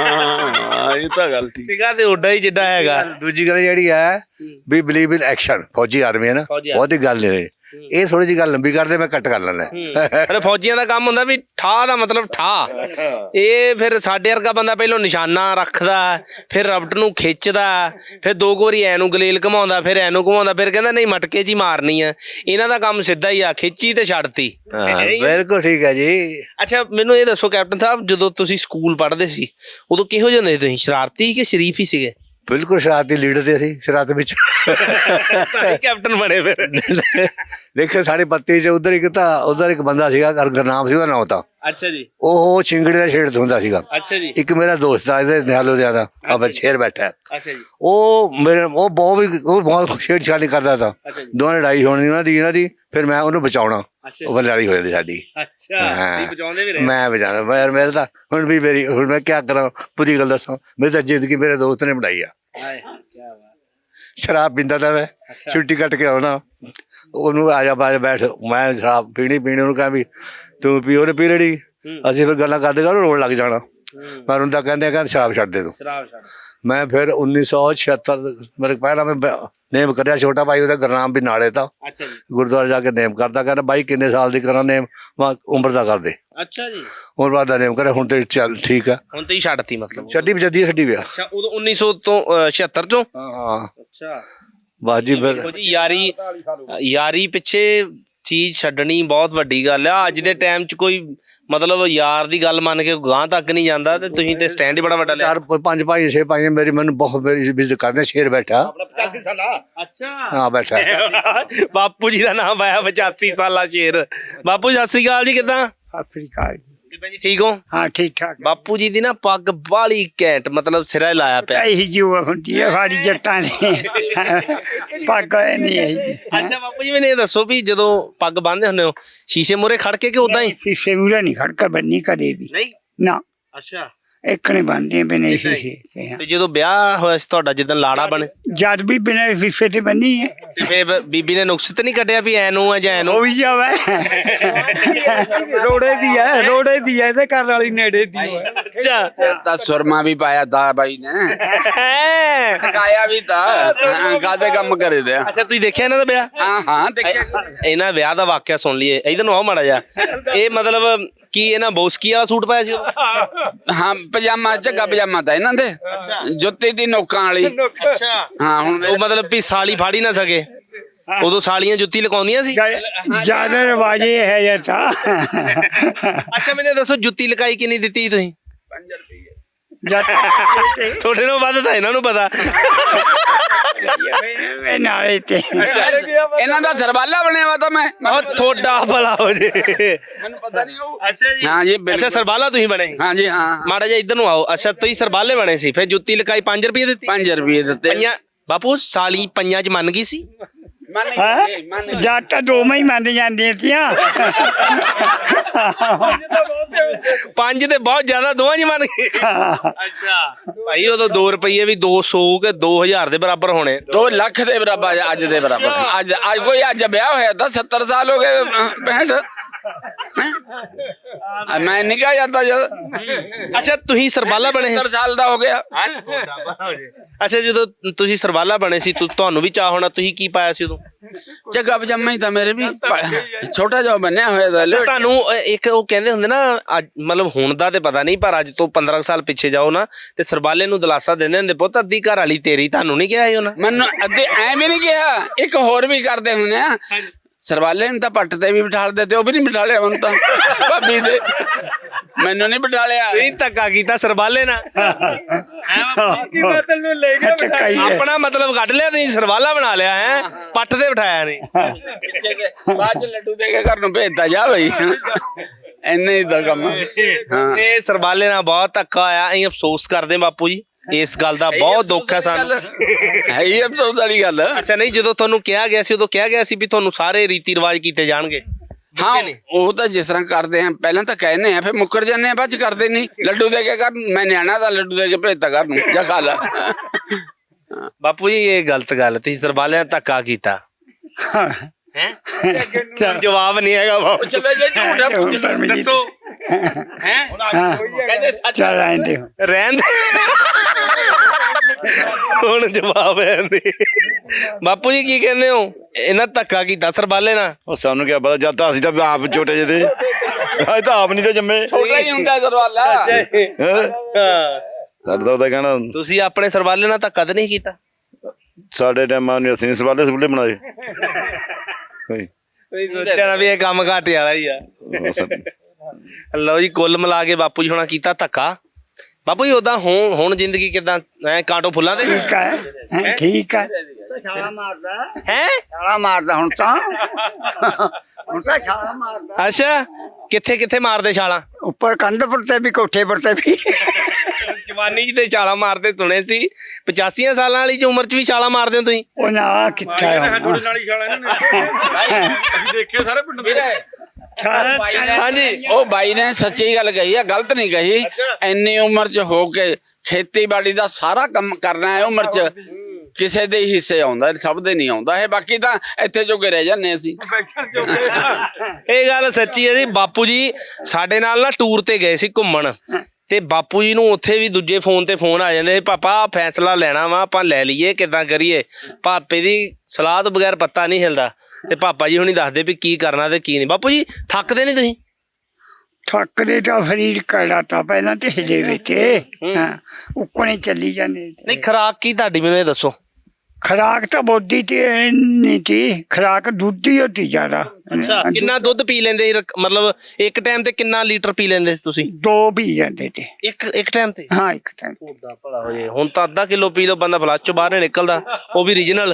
[SPEAKER 7] ਹਾਂ ਇਹ ਤਾਂ ਗੱਲ ਠੀਕ
[SPEAKER 1] ਸੀਗਾ ਤੇ ਉੱਡਾ ਹੀ ਜਿੱਡਾ ਹੈਗਾ।
[SPEAKER 6] दूजी गल जी है भी बिलीव इन एक्शन फौजी आर्मी है ना
[SPEAKER 1] फौजी
[SPEAKER 6] बहुत ही गल नहीं ਇਹ ਥੋੜੀ ਜਿਹੀ ਗੱਲ ਲੰਬੀ ਕਰਦੇ ਮੈਂ ਕੱਟ ਕਰ ਲੈਣਾ।
[SPEAKER 1] ਪਰ ਫੌਜੀਆਂ ਦਾ ਕੰਮ ਹੁੰਦਾ ਵੀ ਠਾ ਦਾ ਮਤਲਬ ਠਾ। ਇਹ ਫਿਰ ਸਾਡੇ ਵਰਗਾ ਬੰਦਾ ਪਹਿਲਾਂ ਨਿਸ਼ਾਨਾ ਰੱਖਦਾ ਫਿਰ ਰਬਟ ਨੂੰ ਖਿੱਚਦਾ ਫਿਰ ਦੋ ਕੁ ਵਾਰੀ ਐ ਨੂੰ ਗਲੇਲ ਘਮਾਉਂਦਾ ਫਿਰ ਐ ਨੂੰ ਘਮਾਉਂਦਾ ਫਿਰ ਕਹਿੰਦਾ ਨਹੀਂ ਮਟਕੇ 'ਚ ਹੀ ਮਾਰਨੀ ਆ। ਇਹਨਾਂ ਦਾ ਕੰਮ ਸਿੱਧਾ ਹੀ ਆ ਖਿੱਚੀ ਤੇ ਛੱਡਤੀ।
[SPEAKER 6] ਬਿਲਕੁਲ ਠੀਕ ਹੈ ਜੀ।
[SPEAKER 1] ਅੱਛਾ ਮੈਨੂੰ ਇਹ ਦੱਸੋ ਕੈਪਟਨ ਸਾਹਿਬ ਜਦੋਂ ਤੁਸੀਂ ਸਕੂਲ ਪੜ੍ਹਦੇ ਸੀ ਉਦੋਂ ਕਿਹੋ ਜਿਹੇ ਹੁੰਦੇ ਸੀ ਤੁਸੀਂ? ਸ਼ਰਾਰਤੀ ਕਿ ਸ਼ਰੀਫ ਹੀ ਸੀਗੇ?
[SPEAKER 6] ਬਿਲਕੁਲ ਸ਼ਰਾਰਤੀ ਲੀਡਰ ਤੇ ਅਸੀਂ ਸ਼ਰਾਰਤ ਵਿੱਚ
[SPEAKER 1] ਤਾਂ ਹੀ ਕੈਪਟਨ ਬਣੇ ਫਿਰ।
[SPEAKER 6] ਦੇਖੋ ਸਾਡੇ ਪੱਤੇ 'ਚ ਉਧਰ ਇੱਕ ਤਾਂ ਉਧਰ ਇੱਕ ਬੰਦਾ ਸੀਗਾ ਗੁਰਨਾਮ ਸੀ ਉਹਦਾ ਨਾਮ ਤਾਂ
[SPEAKER 1] ਅੱਛਾ ਜੀ
[SPEAKER 6] ਉਹ ਚਿੰਗੜੇ ਦਾ ਛੇੜ ਹੁੰਦਾ ਸੀਗਾ।
[SPEAKER 1] ਅੱਛਾ ਜੀ
[SPEAKER 6] ਇੱਕ ਮੇਰਾ ਦੋਸਤ ਆ ਇਹਦੇ ਨਿਹਾਲੋ ਦਾ ਆ ਬੱਚੇਰ ਬੈਠਾ ਹੈ।
[SPEAKER 1] ਅੱਛਾ ਜੀ
[SPEAKER 6] ਉਹ ਮੇਰੇ ਉਹ ਬਹੁਤ ਵੀ ਉਹ ਬਹੁਤ ਛੇੜ ਛਾੜੀ ਕਰਦਾ ਤਾ।
[SPEAKER 1] ਅੱਛਾ ਜੀ
[SPEAKER 6] ਦੋਵੇਂ ਲੜਾਈ ਹੋਣੀ ਉਹਨਾਂ ਦੀ ਇਹਨਾਂ ਦੀ ਫਿਰ ਮੈਂ ਉਹਨੂੰ ਬਚਾਉਣਾ
[SPEAKER 1] ਅੱਛਾ
[SPEAKER 6] ਉਹ ਫਿਰ ਲੜਾਈ ਹੋ ਜਾਂਦੀ ਸਾਡੀ।
[SPEAKER 1] ਅੱਛਾ ਤੁਸੀਂ ਬਚਾਉਂਦੇ ਵੀ ਰਹੇ?
[SPEAKER 6] ਮੈਂ ਬਚਾਉਣਾ ਮੈਂ ਯਾਰ ਮੇਰੇ ਤਾਂ ਹੁਣ ਵੀ ਮੇਰੀ ਹੁਣ ਮੈਂ ਕੀ ਕਰਾਂ ਪੂਰੀ ਗੱਲ ਦੱਸਾਂ ਮੇਰੀ ਤਾਂ ਜ਼ਿੰਦਗੀ ਮੇਰੇ ਦੋਸਤ ਨੇ ਬਣਾਈ ਆ।
[SPEAKER 1] ਹਾਏ ਕੀ ਬਾਤ।
[SPEAKER 6] ਸ਼ਰਾਬ ਪੀਂਦਾ ਤਾਂ ਮੈਂ ਛੁੱਟੀ ਕੱਟ ਕੇ ਆਉਣਾ ਉਹਨੂੰ ਆ ਜਾ ਬਾਜ ਬੈਠ ਮੈਂ ਸ਼ਰਾਬ ਪੀਣੀ ਪੀਣੀ ਉਹਨੂੰ ਕਹਾਂ ਵੀ ਤੂੰ ਪੀ ਉਹਨੇ ਪੀ ਲੈਣੀ ਅਸੀਂ ਫਿਰ ਗੱਲਾਂ ਕਰਦੇ ਕਰ ਰੋਣ ਲੱਗ ਜਾਣਾ ਪਰ ਉਹਦਾ ਕਹਿੰਦੇ ਕਹਿੰਦੇ ਸ਼ਰਾਬ ਛੱਡ ਦੇ ਤੂੰ।
[SPEAKER 1] ਸ਼ਰਾਬ ਛੱਡ।
[SPEAKER 6] ਮੈਂ ਫਿਰ ਉੱਨੀ ਸੌ ਛਿਹੱਤਰ ਮੇਰੇ ਪਹਿਲਾਂ ਮੈਂ ਨੇਮ ਕਰਿਆ ਛੋਟਾ ਭਾਈ ਉਹਦਾ ਗੁਰਨਾਮ ਵੀ ਨਾਲੇ ਤਾਂ
[SPEAKER 1] ਅੱਛਾ ਜੀ
[SPEAKER 6] ਗੁਰਦੁਆਰੇ ਜਾ ਕੇ ਨੇਮ ਕਰਦਾ ਕਹਿੰਦਾ ਬਾਈ ਕਿੰਨੇ ਸਾਲ ਦੀ ਕਰਾਂ ਨੇਮ ਮੈਂ ਉਮਰ ਦਾ ਕਰਦੇ
[SPEAKER 1] ਅੱਛਾ ਜੀ
[SPEAKER 6] ਉਮਰ ਬਾਅਦ ਦਾ ਨੇਮ ਕਰਿਆ ਹੁਣ ਤੇ ਚੱਲ ਠੀਕ ਆ
[SPEAKER 1] ਹੁਣ ਤੇ ਹੀ ਛੱਡਤੀ ਮਤਲਬ?
[SPEAKER 6] ਛੱਡੀ ਬਜੱਦੀ ਛੱਡੀ ਪਿਆ।
[SPEAKER 1] ਅੱਛਾ ਉਦੋਂ ਉੱਨੀ ਸੌ ਤੋਂ ਅਹ, ਛਿਹੱਤਰ ਚੋਂ?
[SPEAKER 6] ਹਾਂ
[SPEAKER 1] ਅੱਛਾ
[SPEAKER 6] ਬਸ ਜੀ ਫਿਰ
[SPEAKER 1] ਦੇਖੋ ਜੀ ਯਾਰੀ ਯਾਰੀ ਪਿੱਛੇ ਚੀਜ਼ ਛੱਡਣੀ ਬਹੁਤ ਵੱਡੀ ਗੱਲ ਆ। ਅੱਜ ਦੇ ਟਾਈਮ 'ਚ ਕੋਈ ਮਤਲਬ ਯਾਰ ਦੀ ਗੱਲ ਮੰਨ ਕੇ ਗਾਂਹ ਤੱਕ ਨਹੀਂ ਜਾਂਦਾ ਤੇ ਤੁਸੀਂ ਤੇ ਸਟੈਂਡ ਹੀ ਬੜਾ ਵੱਡਾ ਲਿਆ।
[SPEAKER 6] ਚਾਰ ਪੰਜ ਭਾਈ ਛੇ ਭਾਈ ਮੇਰੀ ਮੈਨੂੰ ਬਹੁਤ ਮੇਰੀ ਇੱਜ਼ਤ ਕਰਦੇ ਸ਼ੇਰ ਬੈਠਾ
[SPEAKER 1] ਅੱਛਾ
[SPEAKER 6] ਹਾਂ ਬੈਠਾ
[SPEAKER 1] ਬਾਪੂ ਜੀ ਦਾ ਨਾਮ ਆਇਆ ਪਚਾਸੀ ਸਾਲਾ ਸ਼ੇਰ। ਬਾਪੂ ਸਤਿ ਸ੍ਰੀ ਅਕਾਲ ਜੀ। ਕਿੱਦਾਂ
[SPEAKER 2] ਅਫਰੀਕਾ
[SPEAKER 1] ਕਿੱਦਾਂ ਜੀ ਠੀਕ ਹੋ?
[SPEAKER 2] ਹਾਂ ਠੀਕ ਠਾਕ
[SPEAKER 1] ਬਾਪੂ ਜੀ ਦੀ ਨਾ ਪੱਗ ਬਾਲੀ ਘੈਂਟ ਮਤਲਬ ਸਿਰਾ ਹੀ ਲਾਇਆ ਪਿਆ।
[SPEAKER 2] ਇਹੀ ਜੀ ਉਹ ਹੁੰਦੀ ਹੈ ਸਾਡੀ ਜੱਟਾਂ ਦੀ ਪੱਗ ਨਹੀਂ ਹੈ।
[SPEAKER 1] ਅੱਛਾ ਬਾਪੂ ਜੀ ਮੈਨੂੰ ਇਹ ਦੱਸੋ ਵੀ ਜਦੋਂ ਪੱਗ ਬੰਨ੍ਹਦੇ ਹੁੰਦੇ ਹੋ ਸ਼ੀਸ਼ੇ ਮੂਹਰੇ ਖੜ ਕੇ ਕਿ ਉਦਾਂ ਹੀ?
[SPEAKER 2] ਸ਼ੀਸ਼ੇ ਮੂਹਰੇ ਨਹੀਂ ਖੜਕਾ ਬੰਨੀ ਕਦੇ ਵੀ
[SPEAKER 1] ਨਹੀਂ
[SPEAKER 2] ਨਾ
[SPEAKER 1] ਅੱਛਾ
[SPEAKER 2] ਇੱਕ ਨੇ ਬੰਦੇ ਬਿਨੇ ਸ਼ੀਸ਼ੇ ਤੇ।
[SPEAKER 1] ਤੇ ਜਦੋਂ ਵਿਆਹ ਹੋਇਆ ਸੀ ਤੁਹਾਡਾ ਜਿੱਦਣ ਲਾੜਾ ਬਣੇ
[SPEAKER 2] ਜਦ ਵੀ ਬਿਨੇ ਸ਼ੀਸ਼ੇ ਤੇ ਬੰਨੀ ਹੈ
[SPEAKER 1] ਤੇ ਫਿਰ ਬੀਬੀ ਨੇ ਨੁਕਸ ਤੇ ਨਹੀਂ ਕੱਢਿਆ ਵੀ ਐ ਨੂੰ ਆ ਜਾਂ ਐ ਨੂੰ?
[SPEAKER 2] ਉਹ ਵੀ ਜਾਵੇ
[SPEAKER 5] ਰੋੜੇ ਦੀ ਹੈ ਰੋੜੇ ਦੀ ਹੈ ਇਹਦੇ ਘਰ ਵਾਲੀ ਨੇੜੇ ਦੀ ਹੈ।
[SPEAKER 1] ਅੱਛਾ
[SPEAKER 3] ਤਾਂ ਸੁਰਮਾ ਵੀ ਪਾਇਆ ਦਾ ਬਾਈ ਨੇ
[SPEAKER 1] ਹੈਂ।
[SPEAKER 3] ਕਾਇਆ ਵੀ ਤਾਂ ਕਾਦੇ ਕੰਮ ਕਰੇ ਦੇ
[SPEAKER 1] ਅੱਛਾ ਤੁਸੀਂ ਦੇਖਿਆ ਇਹਨਾਂ ਦਾ ਵਿਆਹ?
[SPEAKER 3] ਹਾਂ ਹਾਂ ਦੇਖਿਆ
[SPEAKER 1] ਇਹਨਾਂ ਵਿਆਹ ਦਾ ਵਾਕਿਆ ਸੁਣ ਲਈਏ ਇਧਰ ਨੂੰ ਆਓ ਮਾੜਾ ਜਾ। ਇਹ ਮਤਲਬ ਕੀ ਇਹਨਾਂ ਬੋਸਕੀ ਵਾਲਾ ਸੂਟ ਪਾਇਆ ਸੀ ਉਦੋਂ?
[SPEAKER 3] ਹਾਂ ਪਜਾਮਾ ਝੱਗਾ ਪਜਾਮਾ ਤਾਂ ਇਹਨਾਂ ਦੇ ਜੁੱਤੀ ਦੀ ਨੋਕਾਂ ਵਾਲੀ।
[SPEAKER 1] ਅੱਛਾ
[SPEAKER 3] ਹਾਂ ਹੁਣ
[SPEAKER 1] ਉਹ ਮਤਲਬ ਵੀ ਸਾਲੀ ਫਾੜ ਹੀ ਨਾ ਸਕੇ ਉਦੋਂ ਸਾਲੀਆਂ ਜੁੱਤੀ ਲਗਾਉਂਦੀਆਂ ਸੀ?
[SPEAKER 2] ਜਿਆਦਾ ਰਵਾਜੇ ਹੈ ਜਾਂ ਤਾਂ
[SPEAKER 1] ਅੱਛਾ ਮੈਨੂੰ ਦੱਸੋ ਜੁੱਤੀ ਲਕਾਈ ਕਿੰਨੀ ਦਿੱਤੀ ਤੁਸੀਂ?
[SPEAKER 2] ਜੱਟ
[SPEAKER 1] ਤੁਹਾਡੇ ਨੂੰ ਵੱਧ ਤਾਂ ਇਹਨਾਂ ਨੂੰ ਪਤਾ।
[SPEAKER 2] ਇਹ ਨਾਲੇ ਤੇ
[SPEAKER 3] ਇਹਨਾਂ ਦਾ ਸਰਬਾਲਾ ਬਣਿਆ ਵਾ ਤਾਂ ਮੈਂ
[SPEAKER 1] ਉਹ ਤੁਹਾਡਾ ਭਲਾ ਹੋ ਜੇ।
[SPEAKER 3] ਮੈਨੂੰ ਪਤਾ ਨਹੀਂ ਉਹ।
[SPEAKER 1] ਅੱਛਾ ਜੀ।
[SPEAKER 3] ਹਾਂ ਜੀ
[SPEAKER 1] ਅੱਛਾ
[SPEAKER 3] ਬਿਲਕੁਲ।
[SPEAKER 1] ਸਰਬਾਲਾ ਤੁਸੀਂ ਬਣੇ?
[SPEAKER 3] ਹਾਂ ਜੀ ਹਾਂ।
[SPEAKER 1] ਮਾੜਾ ਜਿਹਾ ਇੱਧਰ ਨੂੰ ਆਓ। ਅੱਛਾ ਤੁਸੀਂ ਸਰਬਾਲੇ ਬਣੇ ਸੀ, ਫਿਰ ਜੁੱਤੀ ਲਕਾਈ ਪੰਜ ਰੁਪਏ ਦਿੱਤੀ?
[SPEAKER 3] ਪੰਜ ਰੁਪਏ ਦਿੱਤੇ।
[SPEAKER 1] ਪੰਜਾਂ ਬਾਪੂ ਸਾਲੀ ਪੰਜਾਂ ਚ ਮੰਨ ਗਈ ਸੀ?
[SPEAKER 3] ਮੰਨ
[SPEAKER 2] ਹਾਂ
[SPEAKER 3] ਗਏ, ਮੰਨ ਗਏ।
[SPEAKER 2] ਜੱਟ ਦੋਵੇਂ ਹੀ ਮੰਨ ਜਾਂਦੀਆਂ ਤੀਆਂ।
[SPEAKER 1] ਪੰਜ ਤੇ ਬਹੁਤ ਜ਼ਿਆਦਾ, ਦੋਵਾਂ ਚ ਮੰਨ ਗਏ। ਅੱਛਾ ਭਾਈ ਉਦੋਂ ਦੋ ਰੁਪਏ ਵੀ ਦੋ ਸੌ ਕੇ ਦੋ ਹਜ਼ਾਰ ਦੇ ਬਰਾਬਰ ਹੋਣੇ।
[SPEAKER 3] ਦੋ ਲੱਖ ਦੇ ਬਰਾਬਰ ਅੱਜ ਦੇ ਬਰਾਬਰ। ਅੱਜ ਅੱਜ ਕੋਈ ਅੱਜ ਵਿਆਹ ਹੋਇਆ ਤਾਂ ਸੱਤਰ ਸਾਲ ਹੋ ਗਏ ਪੈਂਹਠ। ਹੈਂ? ਮੈਂ ਨਿਕਾ ਜਾਂਦਾ ਜਦ
[SPEAKER 1] ਅੱਛਾ ਤੁਸੀਂ ਸਰਬਾਲਾ ਬਣੇ?
[SPEAKER 3] ਸੱਤਰ ਸਾਲ ਦਾ ਹੋ ਗਿਆ।
[SPEAKER 1] ਅੱਛਾ ਜਦੋਂ ਤੁਸੀਂ ਸਰਬਾਲਾ ਬਣੇ ਸੀ ਤੁ- ਤੁਹਾਨੂੰ ਵੀ ਚਾਹ ਹੋਣਾ, ਤੁਸੀਂ ਕੀ ਪਾਇਆ ਸੀ ਉਦੋਂ?
[SPEAKER 3] ਜੱਗਾ ਪਜਾਮਾ ਹੀ ਤਾਂ ਮੇਰੇ ਵੀ ਪ- ਛੋਟਾ ਜਿਹਾ ਬੰਨਿਆ ਹੋਇਆ ਤਾਂ ਲੋ-
[SPEAKER 1] ਤੁਹਾਨੂੰ ਅ, ਇੱਕ ਉਹ ਕਹਿੰਦੇ ਹੁੰਦੇ ਨਾ ਅੱਜ- ਮਤਲਬ ਹੁਣ ਦਾ ਤੇ ਪਤਾ ਨਹੀਂ, ਪਰ ਅੱਜ ਤੋਂ ਪੰਦਰਾਂ ਸਾਲ ਪਿੱਛੇ ਜਾਓ ਨਾ ਤੇ ਸਰਬਾਲੇ ਨੂੰ ਦਿਲਾਸਾ ਦਿੰਦੇ ਹੁੰਦੇ, ਪੁੱਤ ਅੱਧੀ ਘਰ ਵਾਲੀ ਤੇਰੀ। ਤੁਹਾਨੂੰ ਨਹੀਂ ਕਿਹਾ ਸੀ ਉਹਨਾਂ?
[SPEAKER 3] ਮੈਨੂੰ ਅੱਧੇ ਐ ਵੀ ਨਹੀਂ ਕਿਹਾ। ਇੱਕ ਹੋਰ ਵੀ ਕਰਦੇ ਹੁੰਦੇ ਆ, ਸਰਵਾਲੇ ਨੂੰ ਤਾਂ ਪੱਟ ਤੇ ਵੀ ਬਿਠਾਲਦੇ ਤੇ ਉਹ ਵੀ ਨਹੀਂ ਬਿਠਾਲਿਆ ਮੈਨੂੰ ਤਾਂ ਭਾਬੀ ਦੇ। ਮੈਨੂੰ ਨਹੀਂ ਬਿਠਾਲਿਆ।
[SPEAKER 1] ਨਹੀਂ ਧੱਕਾ ਕੀਤਾ ਸਰਬਾਲੇ ਨਾਲ।
[SPEAKER 2] ਟਕਾਈ ਹੈ।
[SPEAKER 1] ਆਪਣਾ ਮਤਲਬ ਕੱਢ ਲਿਆ ਤੁਸੀਂ, ਸਰਬਾਲਾ ਬਣਾ ਲਿਆ ਹੈ, ਪੱਟ ਤੇ ਬਿਠਾਇਆ ਨਹੀਂ।
[SPEAKER 3] ਪਿੱਛੇ ਕੇ ਬਾਅਦ ਚ ਲੱਡੂ ਦੇ ਕੇ ਘਰ ਨੂੰ ਭੇਜਦਾ ਜਾ ਬਈ। ਇੰਨੇ ਹੀ ਦਾ ਕੰਮ। ਹਾਂ
[SPEAKER 1] ਇਹ ਸਰਬਾਲੇ ਨਾਲ ਬਹੁਤ ਧੱਕਾ ਹੋਇਆ। ਅਸੀਂ ਅਫਸੋਸ ਕਰਦੇ ਹਾਂ ਬਾਪੂ ਜੀ, ਇਸ ਗੱਲ ਦਾ ਬਹੁਤ ਦੁੱਖ ਹੈ ਸਾਨੂੰ।
[SPEAKER 3] ਹੈ ਹੀ ਅਫਸੋਸ ਵਾਲੀ ਗੱਲ।
[SPEAKER 1] ਅੱਛਾ ਨਹੀਂ, ਜਦੋਂ ਤੁਹਾਨੂੰ ਕਿਹਾ ਗਿਆ ਸੀ ਉਦੋਂ ਕਿਹਾ ਗਿਆ ਸੀ ਵੀ ਤੁਹਾਨੂੰ ਸਾਰੇ ਰੀਤੀ ਰਿਵਾਜ ਕੀਤੇ ਜਾਣਗੇ?
[SPEAKER 3] ਹਾਂ ਉਹ ਤਾਂ ਜਿਸ ਤਰ੍ਹਾਂ ਕਰਦੇ ਆ, ਪਹਿਲਾਂ ਤਾਂ ਕਹਿੰਦੇ ਆ ਫਿਰ ਮੁੱਕਰ ਜਾਂਦੇ ਆ, ਬਾਅਦ ਚ ਕਰਦੇ ਨਹੀਂ। ਲੱਡੂ ਦੇ ਕੇ ਘਰ ਮੈਂ ਨਿਆਣਾ ਦਾ ਲੱਡੂ ਦੇ ਕੇ ਭੇਜਦਾ ਘਰ ਨੂੰ, ਜਾ ਖਾ ਲਾ।
[SPEAKER 1] ਬਾਪੂ ਜੀ ਇਹ ਗਲਤ ਗੱਲ, ਤੁਸੀਂ ਸਰਬਾਲਿਆਂ ਨਾਲ ਧੱਕਾ ਕੀਤਾ ਹੈ। ਜਵਾਬ ਨਹੀਂ ਹੈਗਾ ਬਾਪੂ।
[SPEAKER 3] ਚਲੋ ਜੇ ਝੂਠਾ ਪੁੱਛ ਲਓ।
[SPEAKER 1] ਦੱਸੋ ਹੈ।
[SPEAKER 3] ਕਹਿੰਦੇ ਸੱਚ।
[SPEAKER 2] ਚੱਲ ਆਂਦੇ
[SPEAKER 1] ਰਹਿਣ ਦੇ। ਹੁਣ ਜਵਾਬ ਹੈ ਨਹੀਂ। ਬਾਪੂ ਜੀ ਕੀ ਕਹਿੰਦੇ ਹੋ? ਇਹਨਾਂ ਧੱਕਾ ਕੀਤਾ ਸਰਬਾਲੇ ਨਾਲ?
[SPEAKER 4] ਉਹ ਸਾਨੂੰ ਕੀ ਪਤਾ, ਜਦ ਤਾਂ ਅਸੀਂ ਤਾਂ ਆਪ ਛੋਟੇ ਜਿਹੇ ਤੇ, ਅਸੀਂ ਤਾਂ ਆਪ ਨਹੀਂ ਤੇ ਜੰਮੇ।
[SPEAKER 3] ਛੋਟਾ ਹੀ ਹੁੰਦਾ ਸਰਵਾਲਾ।
[SPEAKER 4] ਹੈਂ? ਸਾਡਾ ਤਾਂ ਕਹਿਣਾ
[SPEAKER 1] ਤੁਸੀਂ ਆਪਣੇ ਸਰਬਾਲੇ ਨਾਲ ਧੱਕਾ ਤਾਂ ਨਹੀਂ ਕੀਤਾ?
[SPEAKER 4] ਸਾਡੇ ਟਾਈਮਾਂ ਨੂੰ ਅਸੀਂ ਨਹੀਂ ਸਵਾਲੇ ਸਬੂਲੇ ਬਣਾਏ। ਕੋਈ
[SPEAKER 1] ਤੁਸੀਂ ਸੋਚਣਾ ਵੀ ਇਹ ਕੰਮ ਘਾਟੇ ਵਾਲਾ ਹੀ ਆ।
[SPEAKER 4] ਬਸ।
[SPEAKER 1] ਲਓ ਜੀ, ਕੁੱਲ ਮਿਲਾ ਕੇ ਬਾਪੂ ਜੀ ਹੋਣਾ ਕੀਤਾ ਧੱਕਾ। ਬਾਪੂ ਜੀ ਉਦਾਂ ਹੁਣ ਹੁਣ ਜ਼ਿੰਦਗੀ ਕਿਦਾਂ ਐ ਕਾਂਟੋ ਫੁੱਲਾਂ ਦੇ
[SPEAKER 2] ਠੀਕ ਹੈ ਹੈਂ, ਠੀਕ ਹੈ।
[SPEAKER 8] ਛਾਲਾ ਮਾਰਦਾ
[SPEAKER 1] ਹੈ?
[SPEAKER 8] ਛਾਲਾ ਮਾਰਦਾ ਹੁਣ ਤਾਂ ਹੁਣ ਤਾਂ ਛਾਲਾ ਮਾਰਦਾ
[SPEAKER 1] ਅੱਛਾ ਕਿੱਥੇ ਕਿੱਥੇ ਮਾਰਦੇ ਛਾਲਾਂ?
[SPEAKER 8] ਉੱਪਰ ਕੰਧ ਪਰ ਤੇ ਵੀ ਕੋਠੇ ਪਰ ਤੇ ਵੀ।
[SPEAKER 1] ਜਵਾਨੀ ਚ ਤੇ ਛਾਲਾਂ ਮਾਰਦੇ ਸੁਣੇ ਸੀ, ਪਚਾਸੀਆਂ ਸਾਲਾਂ ਵਾਲੀ ਚ ਉਮਰ ਚ ਵੀ ਛਾਲਾਂ ਮਾਰਦੇ ਹੋ ਤੁਸੀਂ?
[SPEAKER 2] ਉਹ ਨਾ ਕਿੱਥਾ ਹੈ
[SPEAKER 5] ਤੁਹਾਡੇ ਨਾਲ ਹੀ ਛਾਲਾ ਇਹਨਾਂ ਨੇ ਅਸੀਂ ਦੇਖੇ ਸਾਰੇ ਪਿੰਡ ਦੇ।
[SPEAKER 1] ਹਾਂਜੀ
[SPEAKER 3] ਉਹ ਬਾਈ ਨੇ ਸੱਚੀ ਗੱਲ ਕਹੀ ਆ, ਗਲਤ ਨਹੀਂ ਕਹੀ। ਇੰਨੀ ਉਮਰ ਚ ਹੋ ਕੇ ਖੇਤੀਬਾੜੀ ਦਾ ਸਾਰਾ ਕੰਮ ਕਰਨਾ ਹੈ ਉਮਰ ਚ, ਕਿਸੇ ਦੇ ਹੀ ਹਿੱਸੇ ਆਉਂਦਾ, ਸਭ ਦੇ ਨਹੀਂ ਆਉਂਦਾ ਇਹ। ਬਾਕੀ ਤਾਂ ਇੱਥੇ ਜੋਗੇ ਰਹਿ ਜਾਂਦੇ ਅਸੀਂ।
[SPEAKER 1] ਇਹ ਗੱਲ ਸੱਚੀ ਹੈ ਜੀ। ਬਾਪੂ ਜੀ ਸਾਡੇ ਨਾਲ ਨਾ ਟੂਰ ਤੇ ਗਏ ਸੀ ਘੁੰਮਣ, ਤੇ ਬਾਪੂ ਜੀ ਨੂੰ ਉੱਥੇ ਵੀ ਦੂਜੇ ਫੋਨ ਤੇ ਫੋਨ ਆ ਜਾਂਦੇ, ਪਾਪਾ ਫੈਸਲਾ ਲੈਣਾ ਵਾ, ਆਪਾਂ ਲੈ ਲਈਏ ਕਿੱਦਾਂ ਕਰੀਏ। ਪਾਪੇ ਦੀ ਸਲਾਹ ਤੋਂ ਬਗੈਰ ਪੱਤਾ ਨਹੀਂ ਹਿਲਦਾ, ਤੇ ਪਾਪਾ ਜੀ ਹੁਣੀ ਦੱਸਦੇ ਵੀ ਕੀ ਕਰਨਾ ਤੇ ਕੀ ਨਹੀਂ। ਬਾਪੂ ਜੀ ਥੱਕਦੇ ਨਹੀਂ ਤੁਸੀਂ?
[SPEAKER 2] ਥੱਕਦੇ ਤਾਂ ਸਰੀਰ ਕੜਾ ਤਾਂ ਪਹਿਲਾਂ ਤੇ ਹਿਲੇ ਵਿੱਚ ਹਾਂ ਉੱਕਣੇ ਚੱਲੀ ਜਾਂਦੇ।
[SPEAKER 1] ਨਹੀਂ ਖੁਰਾਕ ਕੀ ਤੁਹਾਡੀ ਮੈਨੂੰ ਇਹ ਦੱਸੋ?
[SPEAKER 2] ਖਰਾਕ ਤਾਂ ਬੋਦੀ ਤੇ ਨਹੀਂ ਤੀ, ਖਰਾਕ ਦੁੱਧ ਹੀ ਹੁੰਦੀ ਜ਼ਿਆਦਾ।
[SPEAKER 1] ਕਿੰਨਾ ਦੁੱਧ ਪੀ ਲੈਂਦੇ ਸੀ? ਰਕ- ਮਤਲਬ ਇੱਕ ਟਾਈਮ ਤੇ ਕਿੰਨਾ ਲੀਟਰ ਪੀ ਲੈਂਦੇ ਸੀ ਤੁਸੀਂ?
[SPEAKER 2] ਦੋ ਪੀ ਜਾਂਦੇ ਤੇ
[SPEAKER 1] ਇੱਕ ਇੱਕ ਟਾਈਮ ਤੇ?
[SPEAKER 2] ਹਾਂ ਇੱਕ ਟਾਈਮ
[SPEAKER 1] ਉਹਦਾ ਭਲਾ ਹੋ ਜੇ। ਹੁਣ ਤਾਂ ਅੱਧਾ ਕਿਲੋ ਪੀ ਲਓ ਬੰਦਾ ਫਲੱਸ਼ ਚੋਂ ਬਾਹਰ ਨਹੀਂ ਨਿਕਲਦਾ, ਉਹ ਵੀ ਰੀਜਨਲ।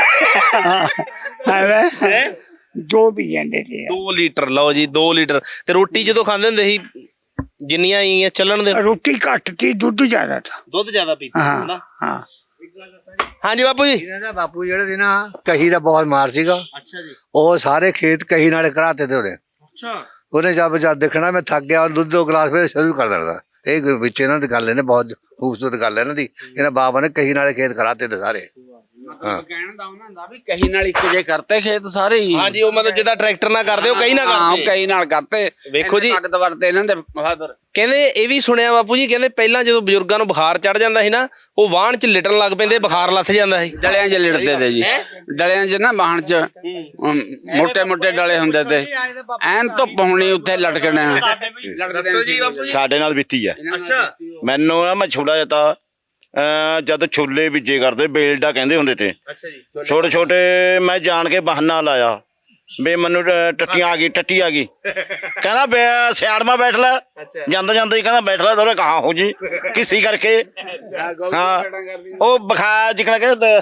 [SPEAKER 2] ਹੈ ਦੋ ਪੀ ਜਾਂਦੇ ਤੇ।
[SPEAKER 1] ਦੋ ਲੀਟਰ ਲਓ ਜੀ, ਦੋ ਲੀਟਰ। ਤੇ ਰੋਟੀ ਜਦੋਂ ਖਾਂਦੇ ਹੁੰਦੇ ਸੀ ਜਿੰਨੀਆਂ ਹੀ ਚੱਲਣ ਦੇ?
[SPEAKER 2] ਰੋਟੀ ਘੱਟ ਤੀ, ਦੁੱਧ ਜ਼ਿਆਦਾ ਤਾ।
[SPEAKER 1] ਦੁੱਧ ਜ਼ਿਆਦਾ ਪੀਤੇ
[SPEAKER 2] ਹਾਂ ਹਾਂ
[SPEAKER 1] ਹਾਂਜੀ ਬਾਪੂ ਜੀ।
[SPEAKER 6] ਇਹਨਾਂ ਦਾ ਬਾਪੂ ਜਿਹੜੇ ਸੀ ਨਾ, ਕਹੀ ਦਾ ਬਹੁਤ ਮਾਰ ਸੀਗਾ।
[SPEAKER 1] ਅੱਛਾ ਜੀ।
[SPEAKER 6] ਉਹ ਸਾਰੇ ਖੇਤ ਕਹੀ ਨਾਲੇ ਕਰਾਤੇ ਤੇ ਉਹਨੇ
[SPEAKER 1] ਅੱਛਾ
[SPEAKER 6] ਉਹਨੇ ਜਦ ਜਦ ਦੇਖਣਾ ਮੈਂ ਥੱਕ ਗਿਆ, ਦੁੱਧ ਦੋ ਗਲਾਸ ਫਿਰ ਸ਼ੁਰੂ ਕਰ ਦੇਣਾ। ਇਹ ਵਿੱਚ ਇਹਨਾਂ ਦੀ ਗੱਲ ਇਹਨੇ ਬਹੁਤ ਖੂਬਸੂਰਤ ਗੱਲ ਹੈ ਇਹਨਾਂ ਦੀ। ਇਹਨਾਂ ਬਾਬਾ ਨੇ ਕਹੀ ਨਾਲੇ ਖੇਤ ਕਰਾਤੇ ਤੇ ਸਾਰੇ।
[SPEAKER 3] ਹਾਂ ਕਹਿਣ ਦਾ ਉਹਨਾਂ ਦਾ ਵੀ ਕਹੀ ਨਾਲ ਇੱਕ ਜੇ ਕਰਤੇ ਖੇਤ ਸਾਰੇ ਹੀ।
[SPEAKER 1] ਹਾਂਜੀ ਉਹ ਮਤਲਬ ਜਿੱਦਾਂ ਟਰੈਕਟਰ ਨਾਲ ਕਰਦੇ ਉਹ ਕਹੀ ਨਾ
[SPEAKER 3] ਹਾਂ ਉਹ
[SPEAKER 1] ਕਰਦੇ।
[SPEAKER 3] ਕਹੀ ਨਾਲ ਕਰਤੇ।
[SPEAKER 1] ਵੇਖੋ ਜੀ।
[SPEAKER 3] ਤਾਕਤ ਵਰਤੇ ਇਹਨਾਂ ਦੇ ਬਹਾਦਰ।
[SPEAKER 1] ਕਹਿੰਦੇ ਇਹ ਵੀ ਸੁਣਿਆ ਬਾਪੂ ਜੀ, ਕਹਿੰਦੇ ਪਹਿਲਾਂ ਜਦੋਂ ਬਜ਼ੁਰਗਾਂ ਨੂੰ ਬੁਖਾਰ ਚੜ ਜਾਂਦਾ ਸੀ ਨਾ, ਉਹ ਵਾਹਣ ਚ ਲਿਟਣ ਲੱਗ ਪੈਂਦੇ, ਬੁਖਾਰ ਲੱਥ ਜਾਂਦਾ ਸੀ।
[SPEAKER 3] ਡਲਿਆਂ 'ਚ ਲਿਟਦੇ ਤੇ ਜੀ, ਡਲਿਆਂ 'ਚ ਨਾ ਬਾਹਣ 'ਚ ਮੋਟੇ ਮੋਟੇ ਡਲੇ ਹੁੰਦੇ ਤੇ, ਐਨ ਧੁੱਪ ਹੋਣੀ ਉੱਥੇ ਲਟਕਣਾ। ਲਟਕਦੇ
[SPEAKER 4] ਸਾਡੇ ਨਾਲ ਬੀਤੀ ਹੈ।
[SPEAKER 1] ਅੱਛਾ
[SPEAKER 4] ਮੈਨੂੰ ਨਾ ਮੈਂ ਛੋਟਾ ਜਿਹਾ ਤਾਂ ਅਹ ਜਦ ਛੋਲੇ ਬੀਜੇ ਕਰਦੇ ਬੇਲਡਾ ਕਹਿੰਦੇ ਹੁੰਦੇ ਤੇ,
[SPEAKER 1] ਅੱਛਾ ਜੀ।
[SPEAKER 4] ਛੋਟੇ ਛੋਟੇ ਮੈਂ ਜਾਣ ਕੇ ਬਹਾਨਾ ਲਾਇਆ ਵੀ ਮੈਨੂੰ ਟ- ਟੱਟੀਆਂ ਆ ਗਈ ਟੱਟੀ ਆ ਗਈ ਕਹਿੰਦਾ ਬੇ ਸਿਆੜ ਮਾ ਬੈਠ ਲੈ ਜਾਂਦਾ ਜਾਂਦਾ ਹੀ ਕਹਿੰਦਾ ਬੈਠ ਲੈ ਥੋੜੇ ਕਹਾਂ ਹੋ ਜੀ ਕਿਸੀ ਕਰਕੇ ਹਾਂ ਉਹ ਬਖਾ ਜਿਕਣਾ ਕਹਿੰਦਾ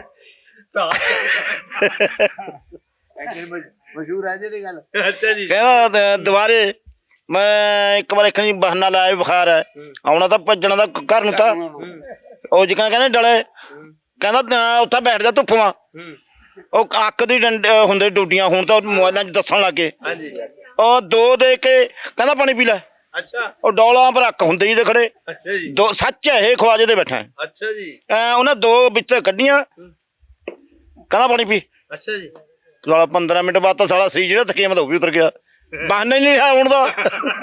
[SPEAKER 6] ਮਸ਼ਹੂਰ ਹੈ ਜਿਹੜੀ ਗੱਲ।
[SPEAKER 1] ਅੱਛਾ ਜੀ
[SPEAKER 4] ਕਹਿੰਦਾ ਦ- ਦੁਬਾਰੇ ਮੈਂ ਇੱਕ ਵਾਰ ਇੱਕ ਬਹਾਨਾ ਲਾਇਆ ਵੀ ਬੁਖਾਰ ਹੈ ਆਉਣਾ ਤਾਂ ਭੱਜਣਾ ਦਾ ਘਰ ਨੂੰ ਤਾਂ ਉਹ ਜਿਕਣਾ ਕਹਿੰਦੇ ਡਲੇ ਕਹਿੰਦਾ ਨਾ ਉੱਥੇ ਬੈਠ ਜਾ ਧੁੱਪ ਮਾ ਉਹ ਅੱਕ ਦੀ ਡੰਡ ਹੁੰਦੇ ਡੂਡੀਆਂ ਹੁਣ ਤਾਂ ਮੋਬਾਈਲਾਂ 'ਚ ਦੱਸਣ ਲੱਗੇ
[SPEAKER 1] ਹਾਂਜੀ
[SPEAKER 4] ਉਹ ਦੋ ਦੇ ਕੇ ਕਹਿੰਦਾ ਪਾਣੀ ਪੀ ਲੈ
[SPEAKER 1] ਅੱਛਾ
[SPEAKER 4] ਉਹ ਡੋਲਾਂ ਪਰ ਅੱਕ ਹੁੰਦੇ ਹੀ ਦੇ ਖੜੇ
[SPEAKER 1] ਅੱਛਾ ਜੀ
[SPEAKER 4] ਦੋ ਸੱਚ ਹੈ ਇਹ ਖਵਾਜੇ ਦੇ ਬੈਠਾ
[SPEAKER 1] ਅੱਛਾ ਜੀ
[SPEAKER 4] ਐ ਉਹਨਾਂ ਦੋ ਵਿੱਚ ਕੱਢੀਆਂ ਕਹਿੰਦਾ ਪਾਣੀ ਪੀ
[SPEAKER 1] ਅੱਛਾ ਜੀ
[SPEAKER 4] ਸਾਲਾ ਪੰਦਰਾਂ ਮਿੰਟ ਬਾਅਦ ਤਾਂ ਸਾਲਾ ਸੀ ਜਿਹੜਾ ਥਕੇਮ ਤਾਂ ਉਹ ਵੀ ਉਤਰ ਗਿਆ ਬਹਾਨਾ ਹੀ ਨਹੀਂ ਰਿਹਾ ਹੁਣ ਦਾ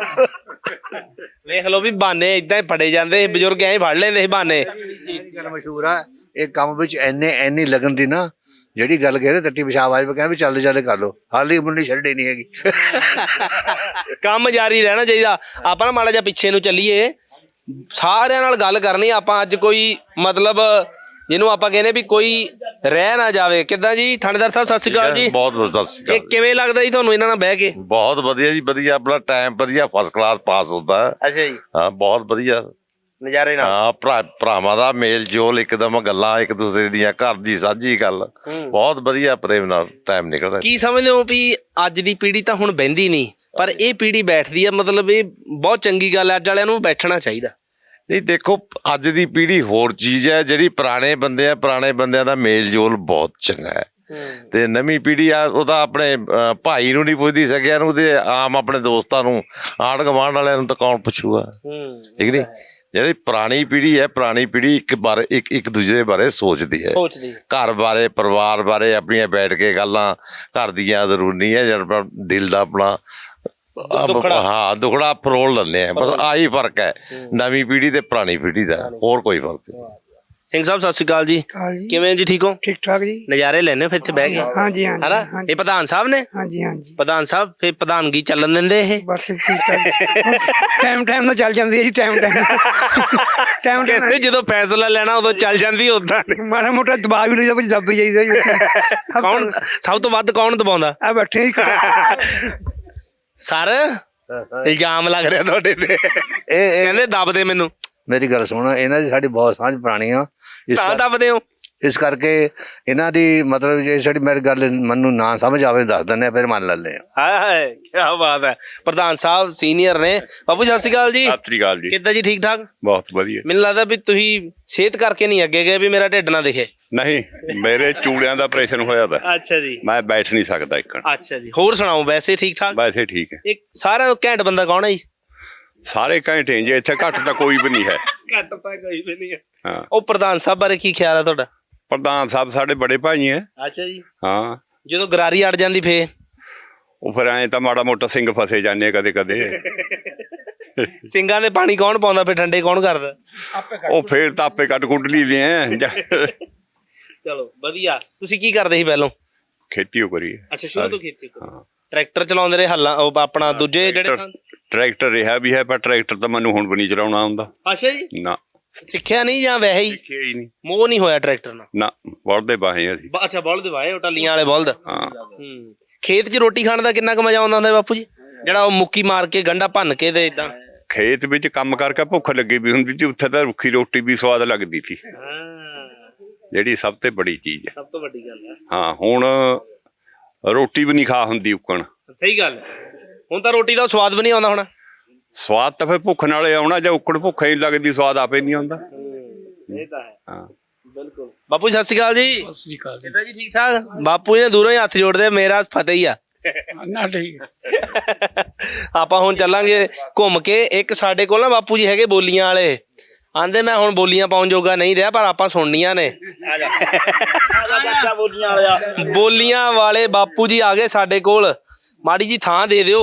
[SPEAKER 1] ਵੇਖ ਲਓ ਵੀ ਬਾਨੇ ਇਦਾਂ ਹੀ ਫੜੇ ਜਾਂਦੇ ਸੀ ਬਜ਼ੁਰਗ ਐਂ ਹੀ ਫੜ ਲੈਂਦੇ ਸੀ ਬਾਨੇ
[SPEAKER 6] ਗੱਲ ਮਸ਼ਹੂਰ ਆ ਇਹ ਕੰਮ ਵਿੱਚ ਐਨੇ ਐਨੀ ਲਗਨ ਦੀ ਨਾ ਜਿਹੜੀ ਗੱਲ ਕਹਿੰਦੇ ਟੱਟੀ ਪਿਸ਼ਾਬ ਆਜ ਕਹਿੰਦੇ ਵੀ ਚੱਲ ਚੱਲ ਕਰ ਲੋ ਹਾਲੀ ਮੁੰਡੀ ਛੱਡੇ ਨਹੀਂ ਹੈਗੀ।
[SPEAKER 1] ਕੰਮ ਜਾਰੀ ਰਹਿਣਾ ਚਾਹੀਦਾ। ਆਪਾਂ ਨਾ ਮਾੜਾ ਜਿਹਾ ਪਿੱਛੇ ਨੂੰ ਚੱਲੀਏ ਸਾਰਿਆਂ ਨਾਲ ਗੱਲ ਕਰਨੀ ਆਪਾਂ ਅੱਜ ਕੋਈ ਮਤਲਬ ਜਿਹਨੂੰ ਆਪਾਂ ਕਹਿੰਦੇ ਵੀ ਕੋਈ ਰਹਿ ਨਾ ਜਾਵੇ। ਕਿੱਦਾਂ ਜੀ ਥਾਣੇਦਾਰ ਸਾਹਿਬ ਸਤਿ ਸ਼੍ਰੀ ਅਕਾਲ ਜੀ।
[SPEAKER 9] ਬਹੁਤ ਬਹੁਤ ਸਤਿ ਸ਼੍ਰੀ
[SPEAKER 1] ਇਹ
[SPEAKER 9] ਅਕਾਲ।
[SPEAKER 1] ਕਿਵੇਂ ਲੱਗਦਾ ਜੀ ਤੁਹਾਨੂੰ ਇਹਨਾਂ ਨਾਲ ਬਹਿ ਕੇ?
[SPEAKER 9] ਬਹੁਤ ਵਧੀਆ ਜੀ ਵਧੀਆ ਆਪਣਾ ਟਾਈਮ ਵਧੀਆ ਫਸਟ ਕਲਾਸ ਪਾਸ ਹੁੰਦਾ ਹੈ।
[SPEAKER 1] ਅੱਛਾ ਜੀ
[SPEAKER 9] ਹਾਂ ਬਹੁਤ ਵਧੀਆ
[SPEAKER 1] ਨਜ਼ਾਰੇ ਨਾਲ
[SPEAKER 9] ਹਾਂ ਭਰਾ ਭਰਾਵਾਂ ਦਾ ਮੇਲ ਜੋਲ ਇੱਕਦਮ ਗੱਲਾਂ ਇੱਕ ਦੂਸਰੇ ਦੀਆਂ ਘਰ ਦੀ ਸਾਂਝੀ ਗੱਲ ਬਹੁਤ ਵਧੀਆ ਪ੍ਰੇਮ ਨਾਲ ਟਾਈਮ ਨਿਕਲਦਾ।
[SPEAKER 1] ਕੀ ਸਮਝਦੇ ਹੋ ਵੀ ਅੱਜ ਦੀ ਪੀੜ੍ਹੀ ਤਾਂ ਹੁਣ ਬਹਿੰਦੀ ਨਹੀਂ ਪਰ ਇਹ ਪੀੜ੍ਹੀ ਬੈਠਦੀ ਆ ਮਤਲਬ ਇਹ ਬਹੁਤ ਚੰਗੀ ਗੱਲ ਹੈ। ਅੱਜ ਵਾਲਿਆਂ ਨੂੰ ਬੈਠਣਾ ਚਾਹੀਦਾ।
[SPEAKER 9] ਨਹੀਂ ਦੇਖੋ ਅੱਜ ਦੀ ਪੀੜ੍ਹੀ ਹੋਰ ਚੀਜ਼ ਹੈ ਜਿਹੜੀ ਪੁਰਾਣੇ ਬੰਦੇ ਆ ਪੁਰਾਣੇ ਬੰਦਿਆਂ ਦਾ ਮੇਲ ਜੋਲ ਬਹੁਤ ਚੰਗਾ ਹੈ ਤੇ ਨਵੀਂ ਪੀੜ੍ਹੀ ਆ ਉਹ ਤਾਂ ਆਪਣੇ ਅਹ, ਭਾਈ ਨੂੰ ਨਹੀਂ ਪੁੱਛਦੀ ਸਕਿਆ ਨੂੰ ਤੇ ਆਮ ਆਪਣੇ ਦੋਸਤਾਂ ਨੂੰ ਆਂਢ ਗੁਆਂਢ ਵਾਲਿਆਂ ਨੂੰ ਤਾਂ ਕੌਣ ਪੁੱਛੂਗਾ ਠੀਕ ਨਹੀਂ। ਜਿਹੜੀ ਪੁਰਾਣੀ ਪੀੜ੍ਹੀ ਹੈ ਪੁਰਾਣੀ ਪੀੜ੍ਹੀ ਇੱਕ ਬਾਰੇ ਇੱਕ ਇੱਕ ਦੂਜੇ ਦੇ ਬਾਰੇ ਸੋਚਦੀ ਹੈ
[SPEAKER 1] ਸੋਚਦੀ
[SPEAKER 9] ਘਰ ਬਾਰੇ ਪਰਿਵਾਰ ਬਾਰੇ ਆਪਣੀਆਂ ਬੈਠ ਕੇ ਗੱਲਾਂ ਘਰ ਦੀਆਂ ਜ਼ਰੂਰੀ ਹੈ ਜਿਹੜਾ ਦਿਲ ਦਾ ਆਪਣਾ ਹਾਂ ਦੁਖੜਾ ਫਰੋਲ ਲੈਂਦੇ ਆ ਬਸ ਆਹੀ ਫਰਕ ਹੈ ਨਵੀਂ ਪੀੜ੍ਹੀ ਤੇ ਪੁਰਾਣੀ ਪੀੜ੍ਹੀ ਦਾ ਹੋਰ ਕੋਈ ਫਰਕ ਨਹੀਂ।
[SPEAKER 1] ਸਿੰਘ ਸਾਹਿਬ ਸਤਿ ਸ਼੍ਰੀ ਅਕਾਲ ਜੀ।
[SPEAKER 2] ਹਾਂਜੀ
[SPEAKER 1] ਕਿਵੇਂ ਜੀ ਠੀਕ ਹੋ?
[SPEAKER 2] ਠੀਕ ਠਾਕ ਜੀ।
[SPEAKER 1] ਨਜ਼ਾਰੇ ਲੈਣੇ ਫਿਰ ਇੱਥੇ ਬਹਿ ਕੇ
[SPEAKER 2] ਹਾਂਜੀ ਹਾਂਜੀ
[SPEAKER 1] ਹਨਾ ਇਹ ਪ੍ਰਧਾਨ ਸਾਹਿਬ ਨੇ?
[SPEAKER 2] ਹਾਂਜੀ ਹਾਂਜੀ
[SPEAKER 1] ਪ੍ਰਧਾਨ ਸਾਹਿਬ ਫਿਰ ਪ੍ਰਧਾਨਗੀ ਚੱਲਣ ਦਿੰਦੇ ਇਹ?
[SPEAKER 2] ਬਸ ਠੀਕ ਠਾਕ ਟਾਈਮ ਟਾਈਮ ਨਾਲ ਚੱਲ ਜਾਂਦੀ ਹੈ ਜੀ ਟਾਈਮ ਟਾਈਮ ਟਾਈਮ
[SPEAKER 1] ਕਹਿੰਦੇ ਜਦੋਂ ਫੈਸਲਾ ਲੈਣਾ ਉਦੋਂ ਚੱਲ ਜਾਂਦੀ ਉਦਾਂ
[SPEAKER 2] ਮਾੜਾ ਮੋਟਾ ਦਬਾਅ ਵੀ ਨਹੀਂ ਦੱਬ ਦੱਬ ਜਾਈਦਾ ਜੀ ਉੱਥੇ।
[SPEAKER 1] ਕੌਣ ਸਭ ਤੋਂ ਵੱਧ ਕੌਣ ਦਬਾਉਂਦਾ?
[SPEAKER 2] ਆ ਬੈਠੇ ਜੀ
[SPEAKER 1] ਸਰ ਇਲਜ਼ਾਮ ਲੱਗ ਰਿਹਾ ਤੁਹਾਡੇ ਤੇ
[SPEAKER 6] ਇਹ ਇਹ
[SPEAKER 1] ਕਹਿੰਦੇ ਦੱਬਦੇ ਮੈਨੂੰ।
[SPEAKER 6] ਮੇਰੀ ਗੱਲ ਸੁਣ ਇਹਨਾਂ ਦੀ ਸਾਡੀ ਬਹੁਤ ਸਾਂਝ ਪੁਰਾਣੀ ਆ ਇਸ
[SPEAKER 1] ਤਾਂ
[SPEAKER 6] ਕਰ-
[SPEAKER 1] ਦੱਬਦੇ ਹੋ?
[SPEAKER 6] ਇਸ ਕਰਕੇ ਇਹਨਾਂ ਦੀ ਮਤਲਬ ਜੇ ਸਾਡੀ ਮੇਰੀ ਗੱਲ ਮੈਨੂੰ ਨਾ ਸਮਝ ਆਵੇ ਦੱਸ ਦਿੰਦੇ ਆ ਫਿਰ ਮੰਨ ਲੈਂਦੇ ਆ।
[SPEAKER 1] ਹਾਏ ਹਾਏ ਕੀ ਬਾਤ ਹੈ। ਪ੍ਰਧਾਨ ਸਾਹਿਬ ਸੀਨੀਅਰ ਨੇ। ਬਾਪੂ ਸਤਿ ਸ਼੍ਰੀ ਅਕਾਲ ਜੀ।
[SPEAKER 10] ਸਤਿ ਸ੍ਰੀ ਅਕਾਲ ਜੀ।
[SPEAKER 1] ਕਿੱਦਾਂ ਜੀ ਠੀਕ ਠਾਕ?
[SPEAKER 10] ਬਹੁਤ ਵਧੀਆ।
[SPEAKER 1] ਮੈਨੂੰ ਲੱਗਦਾ ਵੀ ਤੁਸੀਂ ਸਿਹਤ ਕਰਕੇ ਨਹੀਂ ਅੱਗੇ ਗਏ ਵੀ ਮੇਰਾ ਢਿੱਡ ਨਾ ਦਿਖੇ।
[SPEAKER 10] ਨਹੀਂ ਮੇਰੇ ਚੂੜਿਆਂ ਦਾ ਆਪਰੇਸ਼ਨ ਹੋਇਆ ਵਾ
[SPEAKER 1] ਅੱਛਾ ਜੀ
[SPEAKER 10] ਮੈਂ ਬੈਠ ਨਹੀਂ ਸਕਦਾ ਇੱਕ
[SPEAKER 1] ਅੱਛਾ ਜੀ ਹੋਰ ਸੁਣਾਓ ਵੈਸੇ ਠੀਕ ਠਾਕ?
[SPEAKER 10] ਵੈਸੇ ਠੀਕ ਹੈ।
[SPEAKER 1] ਇੱਕ ਸਾਰਿਆਂ ਤੋਂ ਘੈਂਟ ਬੰਦਾ ਕੌਣ ਹੈ ਜੀ?
[SPEAKER 10] ਸਾਰੇ ਘੰਟੇ ਜੇ ਇੱਥੇ ਘੱਟ ਤਾਂ ਕੋਈ ਵੀ ਨਹੀਂ ਹੈ।
[SPEAKER 1] ਘੱਟ ਤਾਂ ਕੋਈ ਵੀ ਨਹੀਂ ਹੈ।
[SPEAKER 10] ਹਾਂ
[SPEAKER 1] ਉਹ ਪ੍ਰਧਾਨ ਸਾਹਿਬ ਬਾਰੇ ਕੀ ਖਿਆਲ ਹੈ ਤੁਹਾਡਾ?
[SPEAKER 10] ਪ੍ਰਧਾਨ ਸਾਹਿਬ ਸਾਡੇ ਬੜੇ ਭਾਈ ਹੈ।
[SPEAKER 1] ਅੱਛਾ ਜੀ
[SPEAKER 10] ਹਾਂ
[SPEAKER 1] ਜਦੋਂ ਗਰਾਰੀ ਅੜ ਜਾਂਦੀ ਫੇ
[SPEAKER 10] ਉਹ ਫਿਰ ਐਂ ਤਾਂ ਮਾੜਾ ਮੋਟਾ ਸਿੰਘ ਫਸੇ ਜਾਂਦੇ ਕਦੇ ਕਦੇ
[SPEAKER 1] ਸਿੰਘਾਂ ਦੇ ਪਾਣੀ ਕੌਣ ਪਾਉਂਦਾ ਫੇ ਠੰਡੇ ਕੌਣ ਕਰਦਾ?
[SPEAKER 10] ਉਹ ਫੇਰ ਤਾਂ ਆਪੇ ਕੱਟ ਕੁੱਟ ਲਈਦੇ ਆ
[SPEAKER 1] ਚਲੋ ਵਧੀਆ। ਤੁਸੀਂ ਕੀ ਕਰਦੇ ਸੀ ਪਹਿਲਾਂ?
[SPEAKER 10] ਖੇਤੀ ਉਹ ਕਰੀ
[SPEAKER 1] ਅੱਛਾ ਸ਼ੁਰੂ ਤੋਂ ਖੇਤੀ ਕਰਦੇ। ਟਰੈਕਟਰ ਚਲਾਉਂਦੇ ਰਹੇ ਹੱਲਾਂ ਉਹ ਆਪਣਾ ਦੂਜੇ ਜਿਹੜੇ
[SPEAKER 10] ਟਰੈਕਟਰ ਰਿਹਾ ਵੀ ਹੈ ਪਰ ਟਰੈਕਟਰ ਤਾਂ ਮੈਨੂੰ ਹੁਣ ਵੀ ਨਹੀਂ ਚਲਾਉਣਾ ਆਉਂਦਾ।
[SPEAKER 1] ਅੱਛਾ ਜੀ
[SPEAKER 10] ਨਾ
[SPEAKER 1] ਸਿੱਖਿਆ ਨਹੀਂ ਜਾਂ ਵੈਸੇ ਹੀ
[SPEAKER 10] ਸਿੱਖਿਆ ਹੀ ਨਹੀਂ।
[SPEAKER 1] ਮੋਹ ਨਹੀਂ ਹੋਇਆ ਟਰੈਕਟਰ ਨਾਲ?
[SPEAKER 10] ਨਾ ਬਲਦੇ ਬਾਹੇ ਅਸੀਂ।
[SPEAKER 1] ਬ- ਅੱਛਾ ਬਲਦ ਵਾਏ ਉਹ ਟੱਲੀਆਂ ਵਾਲੇ ਬਲਦ।
[SPEAKER 10] ਹਾਂ
[SPEAKER 1] ਹੂੰ ਖੇਤ 'ਚ ਰੋਟੀ ਖਾਣ ਦਾ ਕਿੰਨਾ ਕੁ ਮਜ਼ਾ ਆਉਂਦਾ ਹੁੰਦਾ ਬਾਪੂ ਜੀ? ਜਿਹੜਾ ਉਹ ਮੁੱਕੀ ਮਾਰ ਕੇ ਗੰਢਾ ਭੰਨ ਕੇ ਤੇ ਇਦਾਂ
[SPEAKER 10] ਖੇਤ ਵਿੱਚ ਕੰਮ ਕਰਕੇ ਭੁੱਖ ਲੱਗੀ ਵੀ ਹੁੰਦੀ ਸੀ ਉੱਥੇ ਤਾਂ ਰੁੱਖੀ ਰੋਟੀ ਵੀ ਸਵਾਦ ਲੱਗਦੀ ਸੀ ਜਿਹੜੀ ਸਭ ਤੋਂ ਬੜੀ ਚੀਜ਼ ਹੈ।
[SPEAKER 1] ਸਭ ਤੋਂ ਵੱਡੀ ਗੱਲ ਹੈ।
[SPEAKER 10] ਹਾਂ ਹੁਣ ਰੋਟੀ ਵੀ ਨਹੀਂ ਖਾ ਹੁੰਦੀ ਉੱਕਣ।
[SPEAKER 1] ਸਹੀ ਗੱਲ ਹੈ। ਹੁਣ ਤਾਂ ਰੋਟੀ ਦਾ ਸਵਾਦ ਵੀ ਨਹੀਂ ਆਉਂਦਾ ਹੁਣ।
[SPEAKER 10] ਸਵਾਦ ਤਾਂ ਫਿਰ ਭੁੱਖ ਨਾਲੇ ਆਉਣਾ ਜਾਂ ਉੱਕਣ ਭੁੱਖ ਹੀ ਲੱਗਦੀ ਸਵਾਦ ਆਪੇ ਨਹੀਂ ਆਉਂਦਾ।
[SPEAKER 1] ਇਹ ਤਾਂ ਹੈ
[SPEAKER 10] ਹਾਂ
[SPEAKER 1] ਬਿਲਕੁਲ। ਬਾਪੂ ਸਤਿ ਸ਼੍ਰੀ ਅਕਾਲ ਜੀ। ਸਤਿ ਸ਼੍ਰੀ ਅਕਾਲ ਕਿੱਦਾਂ ਜੀ ਠੀਕ ਠਾਕ? ਬਾਪੂ ਜੀ ਨੇ ਦੂਰੋਂ ਹੀ ਹੱਥ ਜੋੜਦੇ ਮੇਰਾ ਫਤਿਹ ਹੀ ਆ।
[SPEAKER 2] ਨਾ ਠੀਕ
[SPEAKER 1] ਆਪਾਂ ਹੁਣ ਚੱਲਾਂਗੇ ਘੁੰਮ ਕੇ। ਇੱਕ ਸਾਡੇ ਕੋਲ ਨਾ ਬਾਪੂ ਜੀ ਹੈਗੇ ਬੋਲੀਆਂ ਵਾਲੇ ਆਂਦੇ ਮੈਂ ਹੁਣ ਬੋਲੀਆਂ ਪਾਉਣ ਜੋਗਾ ਨਹੀਂ ਰਿਹਾ ਪਰ ਆਪਾਂ ਸੁਣਨੀਆਂ ਨੇ। ਬੋਲੀਆਂ ਵਾਲੇ ਬਾਪੂ ਜੀ ਆ ਗਏ ਸਾਡੇ ਕੋਲ। ਮਾੜੀ ਜੀ ਥਾਂ ਦੇ ਦਿਓ।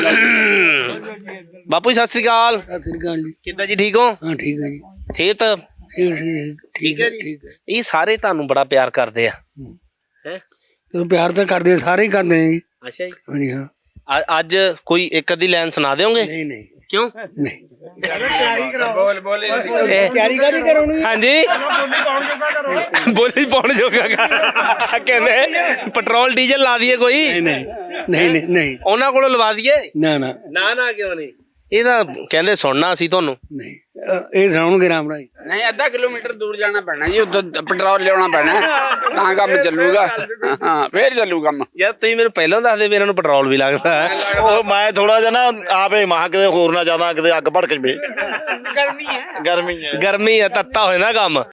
[SPEAKER 1] ਬਾਪੂ ਜੀ ਸਤਿ ਸ੍ਰੀ ਅਕਾਲ। ਕਿੱਦਾਂ ਜੀ ਠੀਕ ਹੋ?
[SPEAKER 2] ਹਾਂ ਠੀਕ ਹੈ ਜੀ।
[SPEAKER 1] ਸਿਹਤ
[SPEAKER 2] ਠੀਕ ਹੈ ਜੀ।
[SPEAKER 1] ਇਹ ਸਾਰੇ ਤੁਹਾਨੂੰ ਬੜਾ ਪਿਆਰ ਕਰਦੇ ਆ।
[SPEAKER 2] ਪਿਆਰ ਤਾਂ ਕਰਦੇ ਸਾਰੇ ਹੀ ਕਰਦੇ ਆ ਜੀ।
[SPEAKER 1] ਅੱਛਾ ਜੀ
[SPEAKER 2] ਹਾਂਜੀ ਹਾਂ
[SPEAKER 1] ਅ- ਅੱਜ ਕੋਈ ਇੱਕ ਅੱਧੀ ਲਾਈਨ ਸੁਣਾ ਦਿਓਗੇ?
[SPEAKER 8] ਨਹੀਂ ਨਹੀਂ
[SPEAKER 1] ਕਿਉਂ?
[SPEAKER 8] ਨਹੀਂ
[SPEAKER 3] ਬੋਲ ਬੋਲ
[SPEAKER 8] ਤਿਆਰੀ ਕਾਦੀ ਕਰਾਉਣੀ
[SPEAKER 1] ਹਾਂਜੀ ਬੋਲੀ ਪਾਉਣ ਜੋਗਾ ਗਾ। ਕਹਿੰਦੇ ਪੈਟਰੋਲ ਡੀਜ਼ਲ ਲਾ ਦਈਏ ਕੋਈ,
[SPEAKER 8] ਨਹੀਂ ਨਹੀਂ ਨਹੀਂ ਨਹੀਂ ਨਹੀਂ
[SPEAKER 1] ਉਹਨਾਂ ਕੋਲੋਂ ਲਵਾ ਦਈਏ।
[SPEAKER 8] ਨਾ ਨਾ
[SPEAKER 1] ਨਾ ਨਾ ਕਿਉਂ ਨਹੀਂ, ਇਹ ਤਾਂ ਕਹਿੰਦੇ ਸੁਣਨਾ ਸੀ ਤੁਹਾਨੂੰ।
[SPEAKER 8] ਨਹੀਂ ਅਹ ਇਹ ਸੁਣਾਉਣਗੇ ਰਾਮ ਰਾਜ।
[SPEAKER 3] ਨਹੀਂ ਅੱਧਾ ਕਿਲੋਮੀਟਰ ਦੂਰ ਜਾਣਾ ਪੈਣਾ ਜੀ, ਉੱਧਰ ਪੈਟਰੋਲ ਲਿਆਉਣਾ ਪੈਣਾ ਤਾਂ ਕੰਮ ਚੱਲੂਗਾ। ਹਾਂ ਫੇਰ ਚੱਲੂ ਕੰਮ।
[SPEAKER 1] ਯਾਰ ਤੁਸੀਂ ਮੈਨੂੰ ਪਹਿਲਾਂ ਦੱਸਦੇ ਵੀ ਇਹਨਾਂ ਨੂੰ ਪੈਟਰੋਲ ਵੀ ਲੱਗਦਾ ਹੈ।
[SPEAKER 4] ਉਹ ਮੈਂ ਥੋੜਾ ਜਿਹਾ ਨਾ ਆਪੇ ਮਹਾ ਕਿਤੇ ਹੋਰ ਨਾ ਜ਼ਿਆਦਾ ਕਿਤੇ ਅੱਗ ਭੜਕ ਜਵੇ।
[SPEAKER 3] ਗਰਮੀ ਹੈ
[SPEAKER 4] ਗਰਮੀ ਹੈ।
[SPEAKER 1] ਗਰਮੀ ਆ, ਤੱਤਾ ਹੋਏ ਨਾ ਕੰਮ।